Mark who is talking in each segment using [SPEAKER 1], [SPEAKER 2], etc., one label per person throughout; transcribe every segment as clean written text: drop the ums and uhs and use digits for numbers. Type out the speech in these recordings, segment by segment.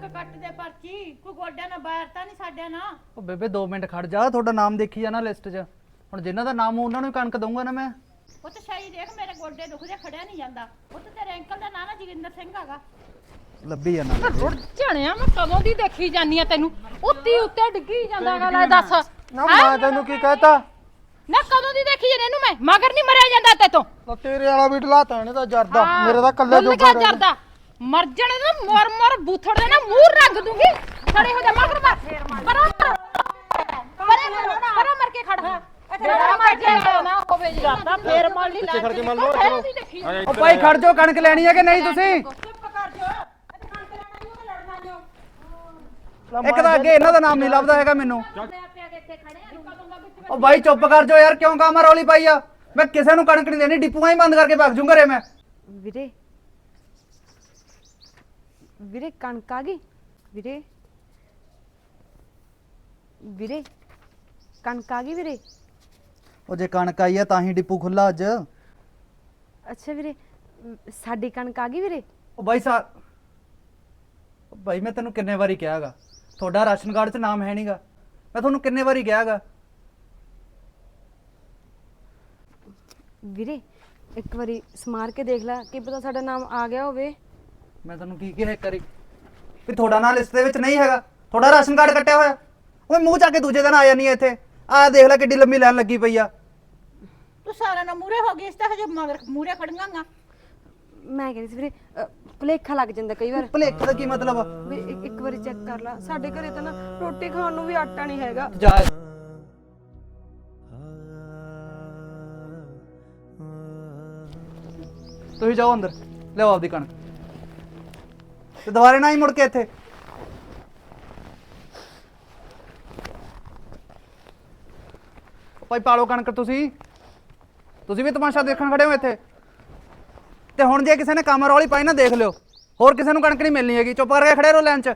[SPEAKER 1] ਕੱਟ ਦੇ ਪਰਚੀ ਕੋਈ ਗੋਡਿਆਂ ਨਾਲ ਬਾਹਰ ਤਾਂ ਨਹੀਂ ਸਾਡਿਆਂ ਨਾਲ।
[SPEAKER 2] ਉਹ ਬੇਬੇ 2 ਮਿੰਟ ਖੜ ਜਾ, ਤੁਹਾਡਾ ਨਾਮ ਦੇਖੀ ਜਾਣਾ ਲਿਸਟ 'ਚ। ਹੁਣ ਜਿਨ੍ਹਾਂ ਦਾ ਨਾਮ ਉਹਨਾਂ ਨੂੰ ਹੀ ਕਣਕ ਦਊਂਗਾ ਨਾ ਮੈਂ।
[SPEAKER 1] ਉਹ ਤਾਂ ਸਹੀ ਦੇਖ ਮੇਰੇ ਗੋਡੇ ਦੁਖਦੇ ਖੜਿਆ ਨਹੀਂ ਜਾਂਦਾ। ਉਹ ਤਾਂ ਤੇਰੇ ਅੰਕਲ ਦਾ ਨਾਂ ਨਾ ਜੋਗਿੰਦਰ ਸਿੰਘ ਹੈਗਾ।
[SPEAKER 2] ਲੱਭੀ ਜਾਣਾ
[SPEAKER 3] ਰੁੜ ਝਣਿਆ ਮੈਂ ਕਦੋਂ ਦੀ ਦੇਖੀ ਜਾਨੀ ਆ ਤੈਨੂੰ ਉੱਤੀ ਉੱਤੇ ਡਿੱਗੀ ਜਾਂਦਾਗਾ ਲੈ ਦੱਸ
[SPEAKER 2] ਨਾ। ਮੈਂ ਤੈਨੂੰ ਕੀ ਕਹਿਤਾ?
[SPEAKER 3] ਨਾ ਕਦੋਂ ਦੀ ਦੇਖੀ ਜਾਨੀ ਇਹਨੂੰ ਮੈਂ ਮਗਰ ਨਹੀਂ ਮਰਿਆ ਜਾਂਦਾ ਤੇਤੋਂ।
[SPEAKER 2] ਤਾਂ ਤੇਰੇ ਵਾਲਾ ਵੀ ਢਲਾਤਾ ਇਹਨੇ ਤਾਂ ਜਰਦਾ, ਮੇਰੇ ਤਾਂ ਕੱਲੇ
[SPEAKER 3] ਜੋਗਾ
[SPEAKER 2] ਜੋਗਾ ਰਹਿ ਗਿਆ।
[SPEAKER 3] ਜਰਦਾ ਮਰ ਜਾਣੇ ਨਾ ਮਰ ਮਰ ਬੂਥੜ ਦੇ ਨਾ ਮੂੰਹ ਰੰਗ ਦੂੰਗੀ ਖੜੇ ਹੋ ਜਾ ਮਗਰ ਪਰਾਂ ਮਰ ਕੇ ਖੜ ਤੇਰਾ ਮਰ ਜਾ ਨਾ ਹੋਵੇ ਜੀ
[SPEAKER 1] ਤਾਂ ਫੇਰ ਮੰਨ ਲਈ
[SPEAKER 2] ਪਿੱਛੇ ਖੜ ਕੇ ਮੰਨ ਲਓ। ਚਲੋ ਉਹ ਭਾਈ ਖੜ ਜਾਓ, ਕਣਕ ਲੈਣੀ ਹੈ ਕਿ ਨਹੀਂ ਤੁਸੀਂ?
[SPEAKER 1] ਚੁੱਪ ਕਰ ਜਾ। ਕਣਕ ਲੈਣਾ ਨਹੀਂ ਉਹ ਲੜਨਾ ਜੋ।
[SPEAKER 2] ਇੱਕ ਤਾਂ ਅੱਗੇ ਇਹਨਾਂ ਦਾ ਨਾਮ ਨਹੀਂ ਲੱਭਦਾ ਹੈਗਾ ਮੈਨੂੰ। ਉਹ ਭਾਈ ਚੁੱਪ ਕਰ ਜਾਓ ਯਾਰ, ਕਿਉਂ ਕਾਮਾ ਰੌਲੀ ਪਾਈ ਆ? ਮੈਂ ਕਿਸੇ ਨੂੰ ਕਣਕ ਨਹੀਂ ਦੇਣੀ, ਡਿਪੂਆਂ ਹੀ ਬੰਦ ਕਰਕੇ ਭੱਜ ਜੂ ਘਰੇ ਮੈਂ।
[SPEAKER 4] ਵੀਰੇ ਵੀਰੇ ਕਣਕ ਆ ਗਈ ਵੀਰੇ। ਵੀਰੇ ਕਣਕ ਆ ਗਈ ਵੀਰੇ।
[SPEAKER 2] ਉਹ ਜੇ ਕਣਕ ਆਈ ਆ ਤਾਂ ਹੀ ਡਿਪੂ ਖੁੱਲਾ ਅੱਜ।
[SPEAKER 4] ਅੱਛਾ ਵੀਰੇ ਸਾਡੀ ਕਣਕ ਆ ਗਈ ਵੀਰੇ।
[SPEAKER 2] ਉਹ ਭਾਈ ਮੈਂ ਤੈਨੂੰ ਕਿੰਨੇ ਵਾਰੀ ਕਿਹਾਗਾ, ਤੁਹਾਡਾ ਰਾਸ਼ਨ ਕਾਰਡ 'ਚ ਨਾਮ ਹੈ ਨਹੀਂਗਾ। ਮੈਂ ਤੁਹਾਨੂੰ ਕਿੰਨੇ ਵਾਰੀ ਕਿਹਾਗਾ।
[SPEAKER 4] ਵੀਰੇ ਇੱਕ ਵਾਰੀ ਸਮਾਰ ਕੇ ਦੇਖ ਲੈ, ਕੀ ਪਤਾ ਸਾਡਾ ਨਾਮ ਆ ਗਿਆ ਹੋਵੇ।
[SPEAKER 2] ਮੈਂ ਤੁਹਾਨੂੰ ਕੀ ਕਿਹਾ ਇੱਕ ਵਾਰੀ ਵੀ ਤੁਹਾਡਾ ਨਾਂ ਲਿਸਟ ਦੇ ਵਿੱਚ ਨਹੀਂ ਹੈਗਾ, ਤੁਹਾਡਾ ਰਾਸ਼ਨ ਕਾਰਡ ਕੱਟਿਆ ਹੋਇਆ। ਉਹ ਮੂੰਹ ਚੱਕ ਕੇ ਦੂਜੇ ਦਿਨ ਆ ਜਾਨੀ ਹੈ ਇੱਥੇ। ਆਹ ਦੇਖ ਲੈ ਕਿੱਡੀ ਲੰਮੀ ਲਾਈਨ ਲੱਗੀ ਪਈ ਆ।
[SPEAKER 1] ਤੂੰ ਸਾਰਾ ਨਾ ਮੂਰੇ ਹੋ ਗਈ, ਇਸ ਤਾਂ ਹਜੇ ਮਗਰ ਮੂਰੇ ਖੜੀਆਂ।
[SPEAKER 4] ਮੈਂ ਕਹਿੰਦੀ ਸੀ ਵੀਰੇ ਭੁਲੇਖਾ ਲੱਗ ਜਾਂਦਾ ਕਈ ਵਾਰ।
[SPEAKER 2] ਭੁਲੇਖੇ ਦਾ ਕੀ ਮਤਲਬ ਆ?
[SPEAKER 4] ਵੀ ਇੱਕ ਵਾਰੀ ਚੈੱਕ ਕਰ ਲੈ, ਸਾਡੇ ਘਰੇ ਤਾਂ ਨਾ ਰੋਟੀ ਖਾਣ ਨੂੰ ਵੀ ਆਟਾ ਨਹੀਂ ਹੈਗਾ।
[SPEAKER 2] ਜਾ ਤੁਸੀਂ ਜਾਓ ਅੰਦਰ, ਲਿਆਓ ਆਪਦੀ ਕਣਕ ਤੇ ਦੁਬਾਰੇ ਨਾ ਹੀ ਮੁੜ ਕੇ ਇੱਥੇ। ਭਾਈ ਪਾਲੋ ਕਣਕ। ਤੁਸੀਂ ਵੀ ਤਮਾਸ਼ਾ ਦੇਖਣ ਖੜੇ ਹੋ ਇੱਥੇ। ਤੇ ਹੁਣ ਜੇ ਕਿਸੇ ਨੇ ਕੰਮ ਰੌਲੀ ਪਾਈ ਨਾ ਦੇਖ ਲਿਓ, ਹੋਰ ਕਿਸੇ ਨੂੰ ਕਣਕ ਨਹੀਂ ਮਿਲਣੀ ਹੈਗੀ। ਚੁੱਪ ਕਰਕੇ ਖੜੇ ਰਹੋ ਲਾਈਨ 'ਚ।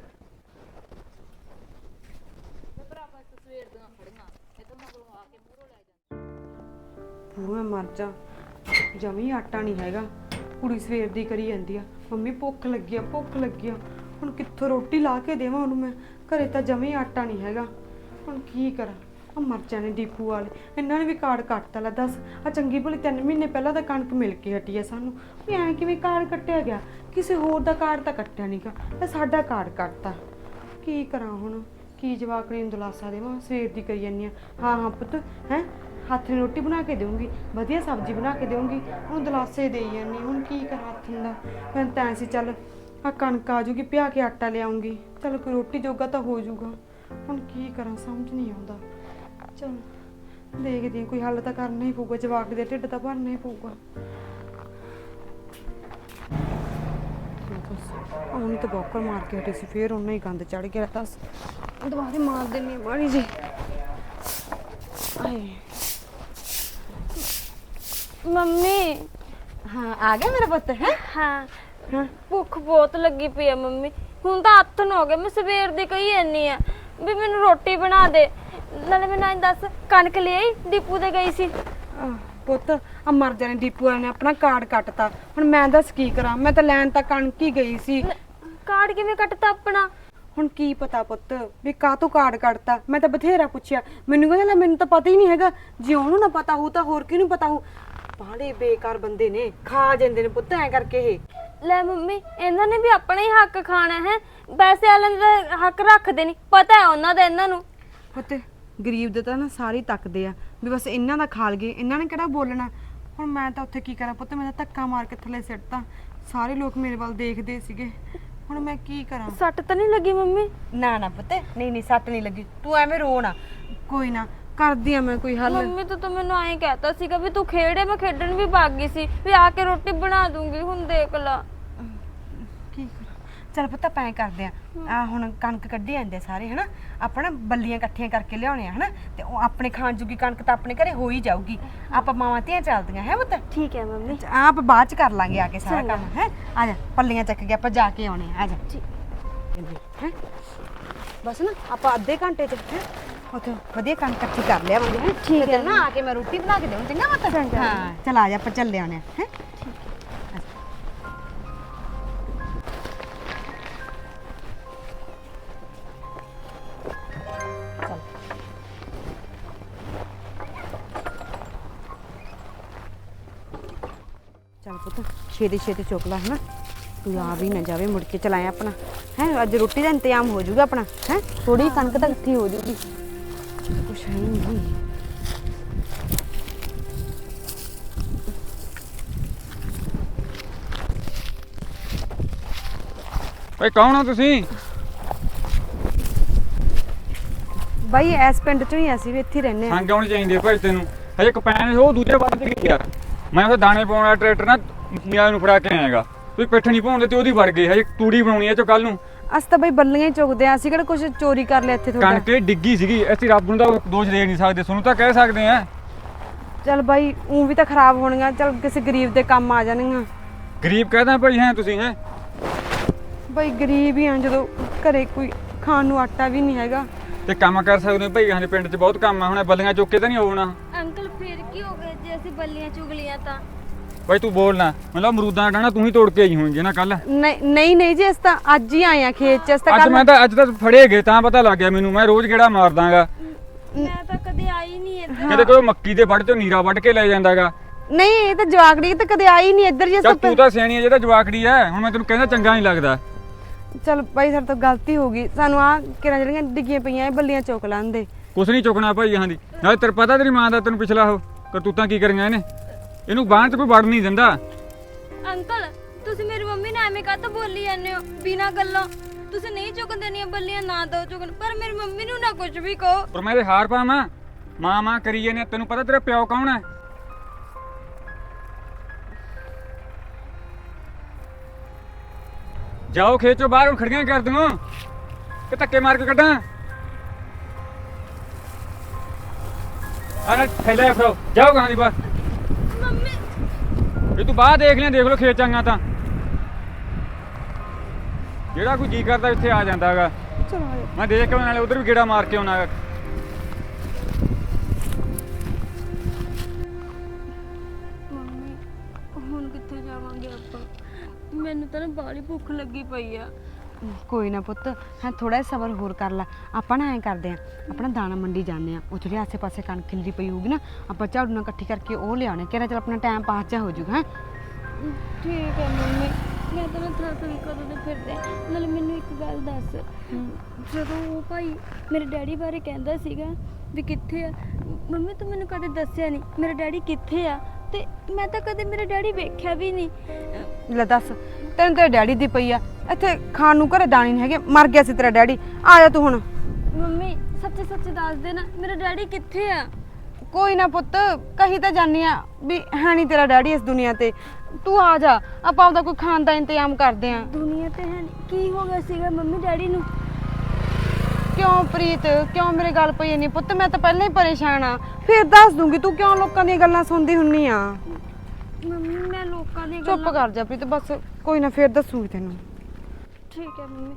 [SPEAKER 4] ਮੈਂ ਮਰ ਜਾ, ਜਮੀ ਆਟਾ ਨਹੀਂ ਹੈਗਾ। ਕੁੜੀ ਸਵੇਰ ਦੀ ਕਰੀ ਜਾਂਦੀ ਆ ਮੰਮੀ ਭੁੱਖ ਲੱਗੀ ਆ ਭੁੱਖ ਲੱਗੀ ਆ। ਹੁਣ ਕਿੱਥੋਂ ਰੋਟੀ ਲਾ ਕੇ ਦੇਵਾਂ ਉਹਨੂੰ ਮੈਂ? ਘਰੇ ਤਾਂ ਜਮੀ ਆਟਾ ਨਹੀਂ ਹੈਗਾ। ਹੁਣ ਕੀ ਕਰਾਂ? ਆ ਮਰ ਜਾਣੇ ਡੀਪੂ ਵਾਲੇ, ਇਹਨਾਂ ਨੇ ਵੀ ਕਾਰਡ ਕੱਟਤਾ। ਲੈ ਦੱਸ, ਆ ਚੰਗੀ ਭਲੀ 3 ਮਹੀਨੇ ਪਹਿਲਾਂ ਤਾਂ ਕਣਕ ਮਿਲ ਕੇ ਹਟੀ ਆ ਸਾਨੂੰ। ਵੀ ਐਂ ਕਿਵੇਂ ਕਾਰਡ ਕੱਟਿਆ ਗਿਆ? ਕਿਸੇ ਹੋਰ ਦਾ ਕਾਰਡ ਤਾਂ ਕੱਟਿਆ ਨਹੀਂਗਾ, ਇਹ ਸਾਡਾ ਕਾਰਡ ਕੱਟਤਾ। ਕੀ ਕਰਾਂ ਹੁਣ? ਕੀ ਜਵਾਕ ਨੂੰ ਦਿਲਾਸਾ ਦੇਵਾਂ? ਸਵੇਰ ਦੀ ਕਰੀ ਜਾਂਦੀ ਆ ਹਾਂ ਪੁੱਤ ਹੈ, ਹੱਥ ਨੇ ਰੋਟੀ ਬਣਾ ਕੇ ਦੇਵਾਂਗੀ, ਵਧੀਆ ਸਬਜ਼ੀ ਬਣਾ ਕੇ ਦੇਵਾਂਗੀ। ਹੁਣ ਦਿਲਾਸੇ ਦੇਈ ਜਾਂਦੀ। ਹੁਣ ਕੀ ਕਰਾਂ ਹੱਥ ਦਾ? ਮੈਂ ਤਾਂ ਸੀ ਚੱਲ ਆ ਕਣਕ ਆ ਜੂਗੀ, ਪਿਆ ਕੇ ਆਟਾ ਲਿਆਉਂਗੀ, ਚੱਲ ਕੋਈ ਰੋਟੀ ਜੋਗਾ ਤਾਂ ਹੋ ਜਾਊਗਾ। ਹੁਣ ਕੀ ਕਰਾਂ ਸਮਝ ਨਹੀਂ ਆਉਂਦਾ। ਚਲ ਦੇਖਦੀ ਹਾਂ, ਕੋਈ ਹੱਲ ਤਾਂ ਕਰਨਾ ਹੀ ਪਊਗਾ। ਜਵਾਕ ਦੇ ਢਿੱਡ ਤਾਂ ਭਰਨਾ ਹੀ ਪਊਗਾ। ਉਹਨੂੰ ਤਾਂ ਬੋਕਰ ਮਾਰ ਕੇ ਹਟੇ ਸੀ, ਫੇਰ ਉਹਨਾਂ ਹੀ ਗੰਦ ਚੜ ਗਿਆ। ਦੱਸ ਦੁਬਾਰੇ ਮਾਰ ਦੇਣੀ ਮਾੜੀ ਜੀ। ਆਏ
[SPEAKER 5] ਮੰਮੀ।
[SPEAKER 4] ਹਾਂ ਆ ਗਿਆ ਮੇਰਾ ਪੁੱਤ ਹੈ।
[SPEAKER 5] ਹਾਂ
[SPEAKER 4] ਹਾਂ
[SPEAKER 5] ਭੁੱਖ ਬਹੁਤ ਲੱਗੀ ਪਈ ਆ ਮੰਮੀ। ਹੁਣ ਤਾਂ ਹੱਥਨ ਹੋ ਗਏ, ਮੈਂ ਸਵੇਰ ਦੀ ਕਹੀ ਜਾਂਦੀ ਆ ਵੀ ਮੈਨੂੰ ਰੋਟੀ ਬਣਾ ਦੇ। ਨਾਲੇ ਮੈਨੂੰ ਐਂ ਦੱਸ, ਕਣਕ ਲੈ ਆਈ? ਡਿਪੂ ਤੇ ਗਈ ਸੀ।
[SPEAKER 4] ਪੁੱਤ ਆ ਮਰ ਜਾਣੇ, ਡੀਪੂ ਵਾਲੇ ਨੇ ਆਪਣਾ ਕਾਰਡ ਕੱਟਤਾ। ਹੁਣ ਮੈਂ ਦੱਸ ਕੀ ਕਰਾਂ? ਮੈਂ ਤਾਂ ਲੈਣ ਤਾਂ ਕਣਕ ਹੀ ਗਈ ਸੀ।
[SPEAKER 5] ਕਾਰਡ ਕਿਵੇਂ ਕੱਟਤਾ ਆਪਣਾ?
[SPEAKER 4] ਹੁਣ ਕੀ ਪਤਾ ਪੁੱਤ ਵੀ ਕਾਹਤੋਂ ਕਾਰਡ ਕੱਟਤਾ? ਮੈਂ ਤਾਂ ਬਥੇਰਾ ਪੁੱਛਿਆ, ਮੈਨੂੰ ਕਹਿੰਦਾ ਲੈ ਮੈਨੂੰ ਤਾਂ ਪਤਾ ਹੀ ਨਹੀਂ ਹੈਗਾ। ਜੇ ਉਹਨੂੰ ਨਾ ਪਤਾ ਹੋਊ ਤਾਂ ਹੋਰ ਕਿਹਨੂੰ ਪਤਾ ਹੋਊ? ਬਾਹਲੇ ਬੇਕਾਰ ਬੰਦੇ ਨੇ, ਖਾ ਜਾਂਦੇ ਨੇ ਪੁੱਤ ਐ ਕਰਕੇ ਇਹ।
[SPEAKER 5] ਲੈ ਮੰਮੀ, ਇਹਨਾਂ ਨੇ ਵੀ ਆਪਣਾ ਹੀ ਹੱਕ ਖਾਣਾ ਹੈ। ਪੈਸੇ ਵਾਲਿਆਂ ਦਾ ਹੱਕ ਰੱਖਦੇ ਨਹੀਂ, ਪਤਾ ਹੈ ਉਹਨਾਂ ਦਾ ਇਹਨਾਂ ਨੂੰ।
[SPEAKER 4] ਪੁੱਤ ਗਰੀਬ ਦੇ ਤਾਂ ਨਾ ਸਾਰੇ ਤੱਕਦੇ ਆ ਵੀ ਬਸ ਇਹਨਾਂ ਦਾ ਖਾ ਲਗੇ, ਇਹਨਾਂ ਨੇ ਕਿਹੜਾ ਬੋਲਣਾ। ਹੁਣ ਮੈਂ ਤਾਂ ਉੱਥੇ ਕੀ ਕਰਾਂ ਪੁੱਤ? ਮੈਂ ਤਾਂ ਧੱਕਾ ਮਾਰ ਕੇ ਥੱਲੇ ਸਿੱਟਤਾ। ਸਾਰੇ ਲੋਕ ਮੇਰੇ ਵੱਲ ਦੇਖਦੇ ਸੀਗੇ। ਹੁਣ ਮੈਂ ਕੀ ਕਰਾਂ?
[SPEAKER 5] ਸੱਟ ਤਾਂ ਨਹੀਂ ਲੱਗੀ ਮੰਮੀ?
[SPEAKER 4] ਨਾ ਨਾ ਪੁੱਤ, ਨਹੀਂ ਸੱਟ ਨਹੀਂ ਲੱਗੀ। ਤੂੰ ਐਵੇਂ ਰੋ ਨਾ। ਕੋਈ ਨਾ ਕਰਦੀ ਆ ਮੈਂ ਕੋਈ ਹੱਲ।
[SPEAKER 5] ਮੰਮੀ ਤੂੰ ਮੈਨੂੰ ਐਂ ਕਹਿਤਾ ਸੀਗਾ ਵੀ ਤੂੰ ਖੇੜੇ, ਮੈਂ ਖੇਡਣ ਵੀ ਭੱਗ ਗਈ ਸੀ ਵੀ ਆ ਕੇ ਰੋਟੀ ਬਣਾ ਦੂੰਗੀ। ਹੁਣ ਦੇਖ ਲਾ
[SPEAKER 4] ਕੀ ਕਰਾਂ? ਚੱਲ ਪੁੱਤ ਆਪਾਂ ਐਂ ਕਰਦੇ ਆ ਹੁਣ ਕਣਕ ਕੱਢੀ ਜਾਂਦੇ ਸਾਰੇ ਹਨਾ, ਆਪਾਂ ਨਾ ਬੱਲੀਆਂ ਇਕੱਠੀਆਂ ਕਰਕੇ ਲਿਆਉਣੇ ਆ ਹਨਾ, ਤੇ ਉਹ ਆਪਣੇ ਖਾਣ ਜੋਗੀ ਕਣਕ ਤਾਂ ਆਪਣੇ ਘਰੇ ਹੋ ਹੀ ਜਾਊਗੀ। ਆਪਾਂ ਮਾਵਾਂ ਧੀਆਂ ਚੱਲਦੀਆਂ ਹੈ ਪੁੱਤ।
[SPEAKER 5] ਠੀਕ ਹੈ ਮੰਮੀ।
[SPEAKER 4] ਆਪ ਬਾਅਦ ਚ ਕਰ ਲਾਂਗੇ ਆ ਕੇ ਸਾਰਾ ਕੰਮ ਹੈ। ਆ ਜਾ ਪੱਲੀਆਂ ਚੱਕ ਕੇ ਆਪਾਂ ਜਾ ਕੇ ਆਉਣੇ ਆ। ਆ ਜਾ ਹੈ ਬਸ ਨਾ ਆਪਾਂ ਅੱਧੇ ਘੰਟੇ ਚ ਹੈ ਉੱਥੇ ਵਧੀਆ ਕਣਕ ਇਕੱਠੀ ਕਰ ਲਿਆਵਾਂਗੇ ਹੈ।
[SPEAKER 5] ਠੀਕ ਹੈ
[SPEAKER 4] ਨਾ, ਆ ਕੇ ਮੈਂ ਰੋਟੀ ਬਣਾ ਕੇ ਦੇਵਾਂ ਚੰਗਾ ਪੁੱਤ? ਹਾਂ ਚਲ ਆ ਜਾ ਆਪਾਂ ਚੱਲੇ ਆਉਣੇ ਆ ਹੈ। ਪੁੱਤ ਛੇਤੀ ਛੇਤੀ ਚੁੱਕ ਲੈ ਹਨਾ ਤੂੰ ਆ ਵੀ ਨਾ ਜਾਵੇ ਮੁੜ ਕੇ ਚਲਾਇਆ ਆਪਣਾ ਹੈ ਅੱਜ ਰੋਟੀ ਦਾ ਇੰਤਜ਼ਾਮ ਹੋ ਜਾਊਗਾ ਆਪਣਾ ਹੈ ਥੋੜੀ ਕਣਕ ਤਾਂ ਇਕੱਠੀ ਹੋ ਜਾਊਗੀ ਕੁਛ ਹੈ ਨਹੀਂ
[SPEAKER 6] ਓਏ ਕੌਣ ਹੋ ਤੁਸੀਂ?
[SPEAKER 4] ਬਾਈ ਇਸ ਪਿੰਡ ਚੋਂ ਹੀ ਅਸੀਂ ਵੀ ਇੱਥੇ ਹੀ ਰਹਿੰਦੇ ਆ
[SPEAKER 6] ਸੰਗ ਆਉਣੀ ਚਾਹੀਦੀ ਹੈ ਭਾਈ ਤੈਨੂੰ। ਹਜੇ ਕਪੈਨ ਉਹ ਦੂਜੇ ਵੱਲ ਤੇ ਗਈ ਯਾਰ। ਮੈਂ ਉਹ ਦਾਣੇ ਪਾਉਣ ਵਾਲਾ ਟਰੈਕਟਰ ਨਾ ਮੀਆਂ ਨੂੰ ਫੜਾ ਕੇ ਆਏਗਾ। ਤੁਸੀਂ ਪਿੱਠ ਨਹੀਂ ਪਾਉਂਦੇ ਤੇ ਉਹਦੀ ਵੜ ਗਈ। ਹਜੇ ਤੂੜੀ ਬਣਾਉਣੀ ਹੈ ਚੋ ਕੱਲ ਨੂੰ।
[SPEAKER 4] ਅਸੀਂ ਤਾਂ ਬਈ ਬੱਲੀਆਂ ਹੀ ਚੁਗਦੇ ਆ ਅਸੀਂ ਕਿਹੜਾ ਕੁਝ ਚੋਰੀ ਕਰ ਲਿਆ ਇੱਥੇ ਤੁਹਾਡਾ
[SPEAKER 6] ਕਣਕ ਡਿੱਗੀ ਸੀਗੀ। ਅਸੀਂ ਰੱਬ ਨੂੰ ਤਾਂ ਦੋਸ਼ ਦੇ ਨਹੀਂ ਸਕਦੇ, ਤੁਹਾਨੂੰ ਤਾਂ ਕਹਿ ਸਕਦੇ ਆ।
[SPEAKER 4] ਚੱਲ ਬਾਈ ਉਹ ਵੀ ਤਾਂ ਖਰਾਬ ਹੋਣਗੀਆਂ ਚੱਲ ਕਿਸੇ ਗਰੀਬ ਦੇ ਕੰਮ ਆ ਜਾਣਗੀਆਂ
[SPEAKER 6] ਗਰੀਬ ਕਹਦਾ ਭਾਈ ਹੈ ਤੁਸੀਂ ਹੈ।
[SPEAKER 4] ਬਾਈ ਗਰੀਬ ਹੀ ਆ ਜਦੋਂ ਘਰੇ ਕੋਈ ਖਾਣ ਨੂੰ ਆਟਾ ਵੀ ਨਹੀਂ ਹੈਗਾ
[SPEAKER 6] ਤੇ ਕੰਮ ਕਰ ਸਕਦੇ ਹੋ ਭਾਈ। ਹਾਂ ਪਿੰਡ 'ਚ ਬਹੁਤ ਕੰਮ ਆ। ਹੁਣ ਬੱਲੀਆਂ ਚੁੱਕ ਕੇ ਤਾਂ ਨਹੀਂ ਹੋਣਾ।
[SPEAKER 5] ਅੰਕਲ ਫੇਰ ਕੀ ਹੋ ਗਿਆ ਜੇ ਅਸੀਂ ਬੱਲੀਆਂ ਚੁਗ ਲੀਆਂ ਤਾਂ?
[SPEAKER 6] ਭਾਈ ਤੂੰ ਬੋਲ ਨਾ। ਮਤਲਬ ਅਮਰੂਦਾਂ ਦਾ ਡਾਣਾ ਤੂੰ ਹੀ ਤੋੜ ਕੇ ਆਈ ਹੋਣੀ ਨਾ ਕੱਲ।
[SPEAKER 4] ਨਹੀਂ ਜੀ ਅਸੀਂ ਤਾਂ ਅੱਜ ਹੀ ਆਏ ਆ ਖੇਤ ਚ ਅਸੀਂ ਤਾਂ
[SPEAKER 6] ਅੱਜ ਤਾਂ ਫੜੇ ਗਏ ਤਾਂ ਪਤਾ ਲੱਗ ਗਿਆ ਮੈਨੂੰ। ਮੈਂ ਰੋਜ਼ ਕਿਹੜਾ ਮਾਰਦਾਗਾ।
[SPEAKER 5] ਮੈਂ ਤਾਂ ਕਦੇ ਆਈ ਨਹੀਂ ਇੱਧਰ।
[SPEAKER 6] ਕਿਤੇ ਕੋਈ ਮੱਕੀ ਦੇ ਵੱਢ ਚੋਂ ਨੀਰਾ ਵੱਢ ਕੇ ਲੈ ਜਾਂਦਾਗਾ।
[SPEAKER 4] ਨਹੀਂ ਇਹ ਤਾਂ ਜਵਾਕੜੀ ਤਾਂ ਕਦੇ ਆਈ ਨਹੀਂ ਇੱਧਰ ਜੇ
[SPEAKER 6] ਚੱਲ ਤੂੰ ਤਾਂ ਸਿਆਣੀ ਹੈ, ਜਿਹੜਾ ਜਵਾਕੜੀ ਹੈ। ਹੁਣ ਮੈਂ ਤੈਨੂੰ ਕਹਿੰਦਾ ਚੰਗਾ ਨਹੀਂ ਲੱਗਦਾ।
[SPEAKER 4] ਚਲ ਬਾਈ ਸਾਡੇ ਤੋਂ ਗਲਤੀ ਹੋ ਗਈ ਸਾਨੂੰ ਆ ਕਿਰਾਂ ਜਿਹੜੀਆਂ ਡਿੱਗੀਆਂ ਪਈਆਂ ਇਹ ਬੱਲੀਆਂ ਚੁੱਕ ਲਾਂਦੇ
[SPEAKER 6] ਕੁਛ ਨਹੀਂ ਚੁੱਕਣਾ ਭਾਈ ਹਾਂ ਦੀ। ਨਾਲੇ ਤੇਰੇ ਪਤਾ ਤੇਰੀ ਮਾਂ ਦਾ ਤੈਨੂੰ ਪਿਛਲਾ ਉਹ ਕਰਤੂਤਾਂ ਕੀ ਕਰੀਆਂ ਇਹਨੇ। ਇਹਨੂੰ ਬਾਹਰ 'ਚ ਕੋਈ ਵੜ ਨਹੀਂ ਦਿੰਦਾ।
[SPEAKER 5] ਅੰਕਲ ਤੁਸੀਂ ਮੇਰੀ ਮੰਮੀ ਨਾਲ ਐਵੇਂ ਕਾਹਤੋਂ ਬੋਲੀ ਜਾਂਦੇ ਹੋ ਬਿਨਾਂ ਗੱਲੋਂ? ਤੁਸੀਂ ਨਹੀਂ ਚੁੱਕਣ ਦੇਣੀਆਂ ਬੱਲੀਆਂ ਨਾ ਦੋ ਚੁੱਕਣ, ਪਰ ਮੇਰੀ ਮੰਮੀ ਨੂੰ ਨਾ ਕੁਝ ਵੀ ਕਹੋ।
[SPEAKER 6] ਪਰ ਮੈਂ ਇਹਦੇ ਹਾਰ ਪਾਵਾਂ। ਮਾਂ ਕਰੀ ਇਹਨੇ। ਤੈਨੂੰ ਪਤਾ ਤੇਰਾ ਪਿਓ ਕੌਣ ਹੈ? ਜਾਓ ਖੇਤ ਚੋਂ ਬਾਹਰ। ਹੁਣ ਖੜੀਆਂ ਕਰ ਦੂੰ ਕਿ ਧੱਕੇ ਮਾਰ ਕੇ ਕੱਢਾਂ। ਆਹ ਥੈਲੇ ਫੜੋ। ਜਾਓ ਗਾਂ ਦੀ ਬਾਹਰ।
[SPEAKER 5] ਮੰਮੀ
[SPEAKER 6] ਇਹ ਤੂੰ ਬਾਹਰ ਦੇਖ ਲਓ ਖੇਤ ਚੰਗਾ ਤਾਂ। ਜਿਹੜਾ ਕੋਈ ਜੀ ਕਰਦਾ ਇੱਥੇ ਆ ਜਾਂਦਾਗਾ।
[SPEAKER 4] ਚਲੋ
[SPEAKER 6] ਮੈਂ ਦੇਖ ਕੇ ਨਾਲੇ ਉਧਰ ਵੀ ਗੇੜਾ ਮਾਰ ਕੇ ਆਉਣਾ।
[SPEAKER 5] ਮੰਮੀ ਹੁਣ ਕਿੱਥੇ ਜਾਵਾਂਗੇ ਆਪਾਂ? ਮੈਨੂੰ ਤਾਂ ਨਾ ਬਾਹਲੀ ਭੁੱਖ ਲੱਗੀ ਪਈ ਆ।
[SPEAKER 4] ਕੋਈ ਨਾ ਪੁੱਤ ਹਾਂ ਥੋੜਾ ਜਿਹਾ ਸਬਰ ਹੋਰ ਕਰ ਲੈ ਆਪਾਂ ਨਾ ਐਂ ਕਰਦੇ ਆ ਆਪਣਾ ਦਾਣਾ ਮੰਡੀ ਜਾਂਦੇ ਆ ਉਹ ਜਿਹੜੇ ਆਸੇ ਪਾਸੇ ਕਣਕ ਖਿਲਰੀ ਪਈ ਹੋਊਗੀ ਨਾ ਆਪਾਂ ਝਾੜੂ ਨਾਲ ਇਕੱਠੀ ਕਰਕੇ ਉਹ ਲਿਆਉਣੇ ਕਿਹੜਾ ਚਲ ਆਪਣਾ ਟਾਈਮ ਪਾਸ ਜਾ ਹੋ ਜਾਊਗਾ ਹੈਂ
[SPEAKER 5] ਠੀਕ ਹੈ ਮੰਮੀ, ਮੈਂ ਤਾਂ ਨਾ ਥੱਕ ਗਈ ਕਦੋਂ ਦੇ ਫਿਰਦੇ। ਨਾਲੇ ਮੈਨੂੰ ਇੱਕ ਗੱਲ ਦੱਸ, ਜਦੋਂ ਉਹ ਭਾਈ ਮੇਰੇ ਡੈਡੀ ਬਾਰੇ ਕਹਿੰਦਾ ਸੀਗਾ ਵੀ ਕਿੱਥੇ ਆ, ਮੰਮੀ ਤੂੰ ਮੈਨੂੰ ਕਦੇ ਦੱਸਿਆ ਨਹੀਂ ਮੇਰਾ ਡੈਡੀ ਕਿੱਥੇ ਆ। ਤੇ ਮੈਂ ਤਾਂ ਕਦੇ ਮੇਰਾ ਡੈਡੀ ਵੇਖਿਆ ਵੀ ਨਹੀਂ।
[SPEAKER 4] ਲੈ ਦੱਸ ਤੈਨੂੰ ਤੇਰੇ ਡੈਡੀ ਦੀ ਪਈ ਆ ਇੱਥੇ ਖਾਣ ਨੂੰ ਘਰੇ ਦਾਣੇ ਨਹੀਂ ਹੈਗੇ ਮਰ ਗਿਆ ਸੀ ਤੇਰਾ ਡੈਡੀ ਆ ਜਾ ਤੂੰ ਹੁਣ
[SPEAKER 5] ਮੰਮੀ ਸੱਚੇ ਸੱਚੇ ਦੱਸ ਦੇ ਨਾ ਮੇਰਾ ਡੈਡੀ ਕਿੱਥੇ ਆ।
[SPEAKER 4] ਕੋਈ ਨਾ ਪੁੱਤ ਕਹੀ ਤਾਂ ਜਾਨੀ ਆ ਵੀ ਹੈ ਨਹੀਂ ਤੇਰਾ ਡੈਡੀ ਇਸ ਦੁਨੀਆ ਤੇ ਤੂੰ ਆ ਜਾ ਆਪਾਂ ਆਪਦਾ ਕੋਈ ਖਾਣ ਦਾ ਇੰਤਜ਼ਾਮ ਕਰਦੇ ਆ
[SPEAKER 5] ਦੁਨੀਆ ਤੇ ਹੈ ਨੀ। ਕੀ ਹੋ ਗਿਆ ਸੀਗਾ ਮੰਮੀ ਡੈਡੀ ਨੂੰ?
[SPEAKER 4] ਕਿਉਂ ਪ੍ਰੀਤ ਕਿਉਂ ਮੇਰੇ ਗੱਲ ਪਈ ਨਹੀਂ ਪੁੱਤ ਮੈਂ ਤਾਂ ਪਹਿਲਾਂ ਹੀ ਪਰੇਸ਼ਾਨ ਆ ਫਿਰ ਦੱਸ ਦੂੰਗੀ ਤੂੰ ਕਿਉਂ ਲੋਕਾਂ ਦੀਆਂ ਗੱਲਾਂ ਸੁਣਦੀ ਹੁੰਨੀ ਆ
[SPEAKER 5] ਮੰਮੀ ਮੈਂ ਲੋਕਾਂ ਦੀਆਂ
[SPEAKER 4] ਚੁੱਪ ਕਰ ਜਾ ਪ੍ਰੀਤ ਬਸ ਕੋਈ ਨਾ ਫਿਰ ਦੱਸੂਗੀ ਤੈਨੂੰ
[SPEAKER 5] ਠੀਕ ਹੈ ਮੰਮੀ।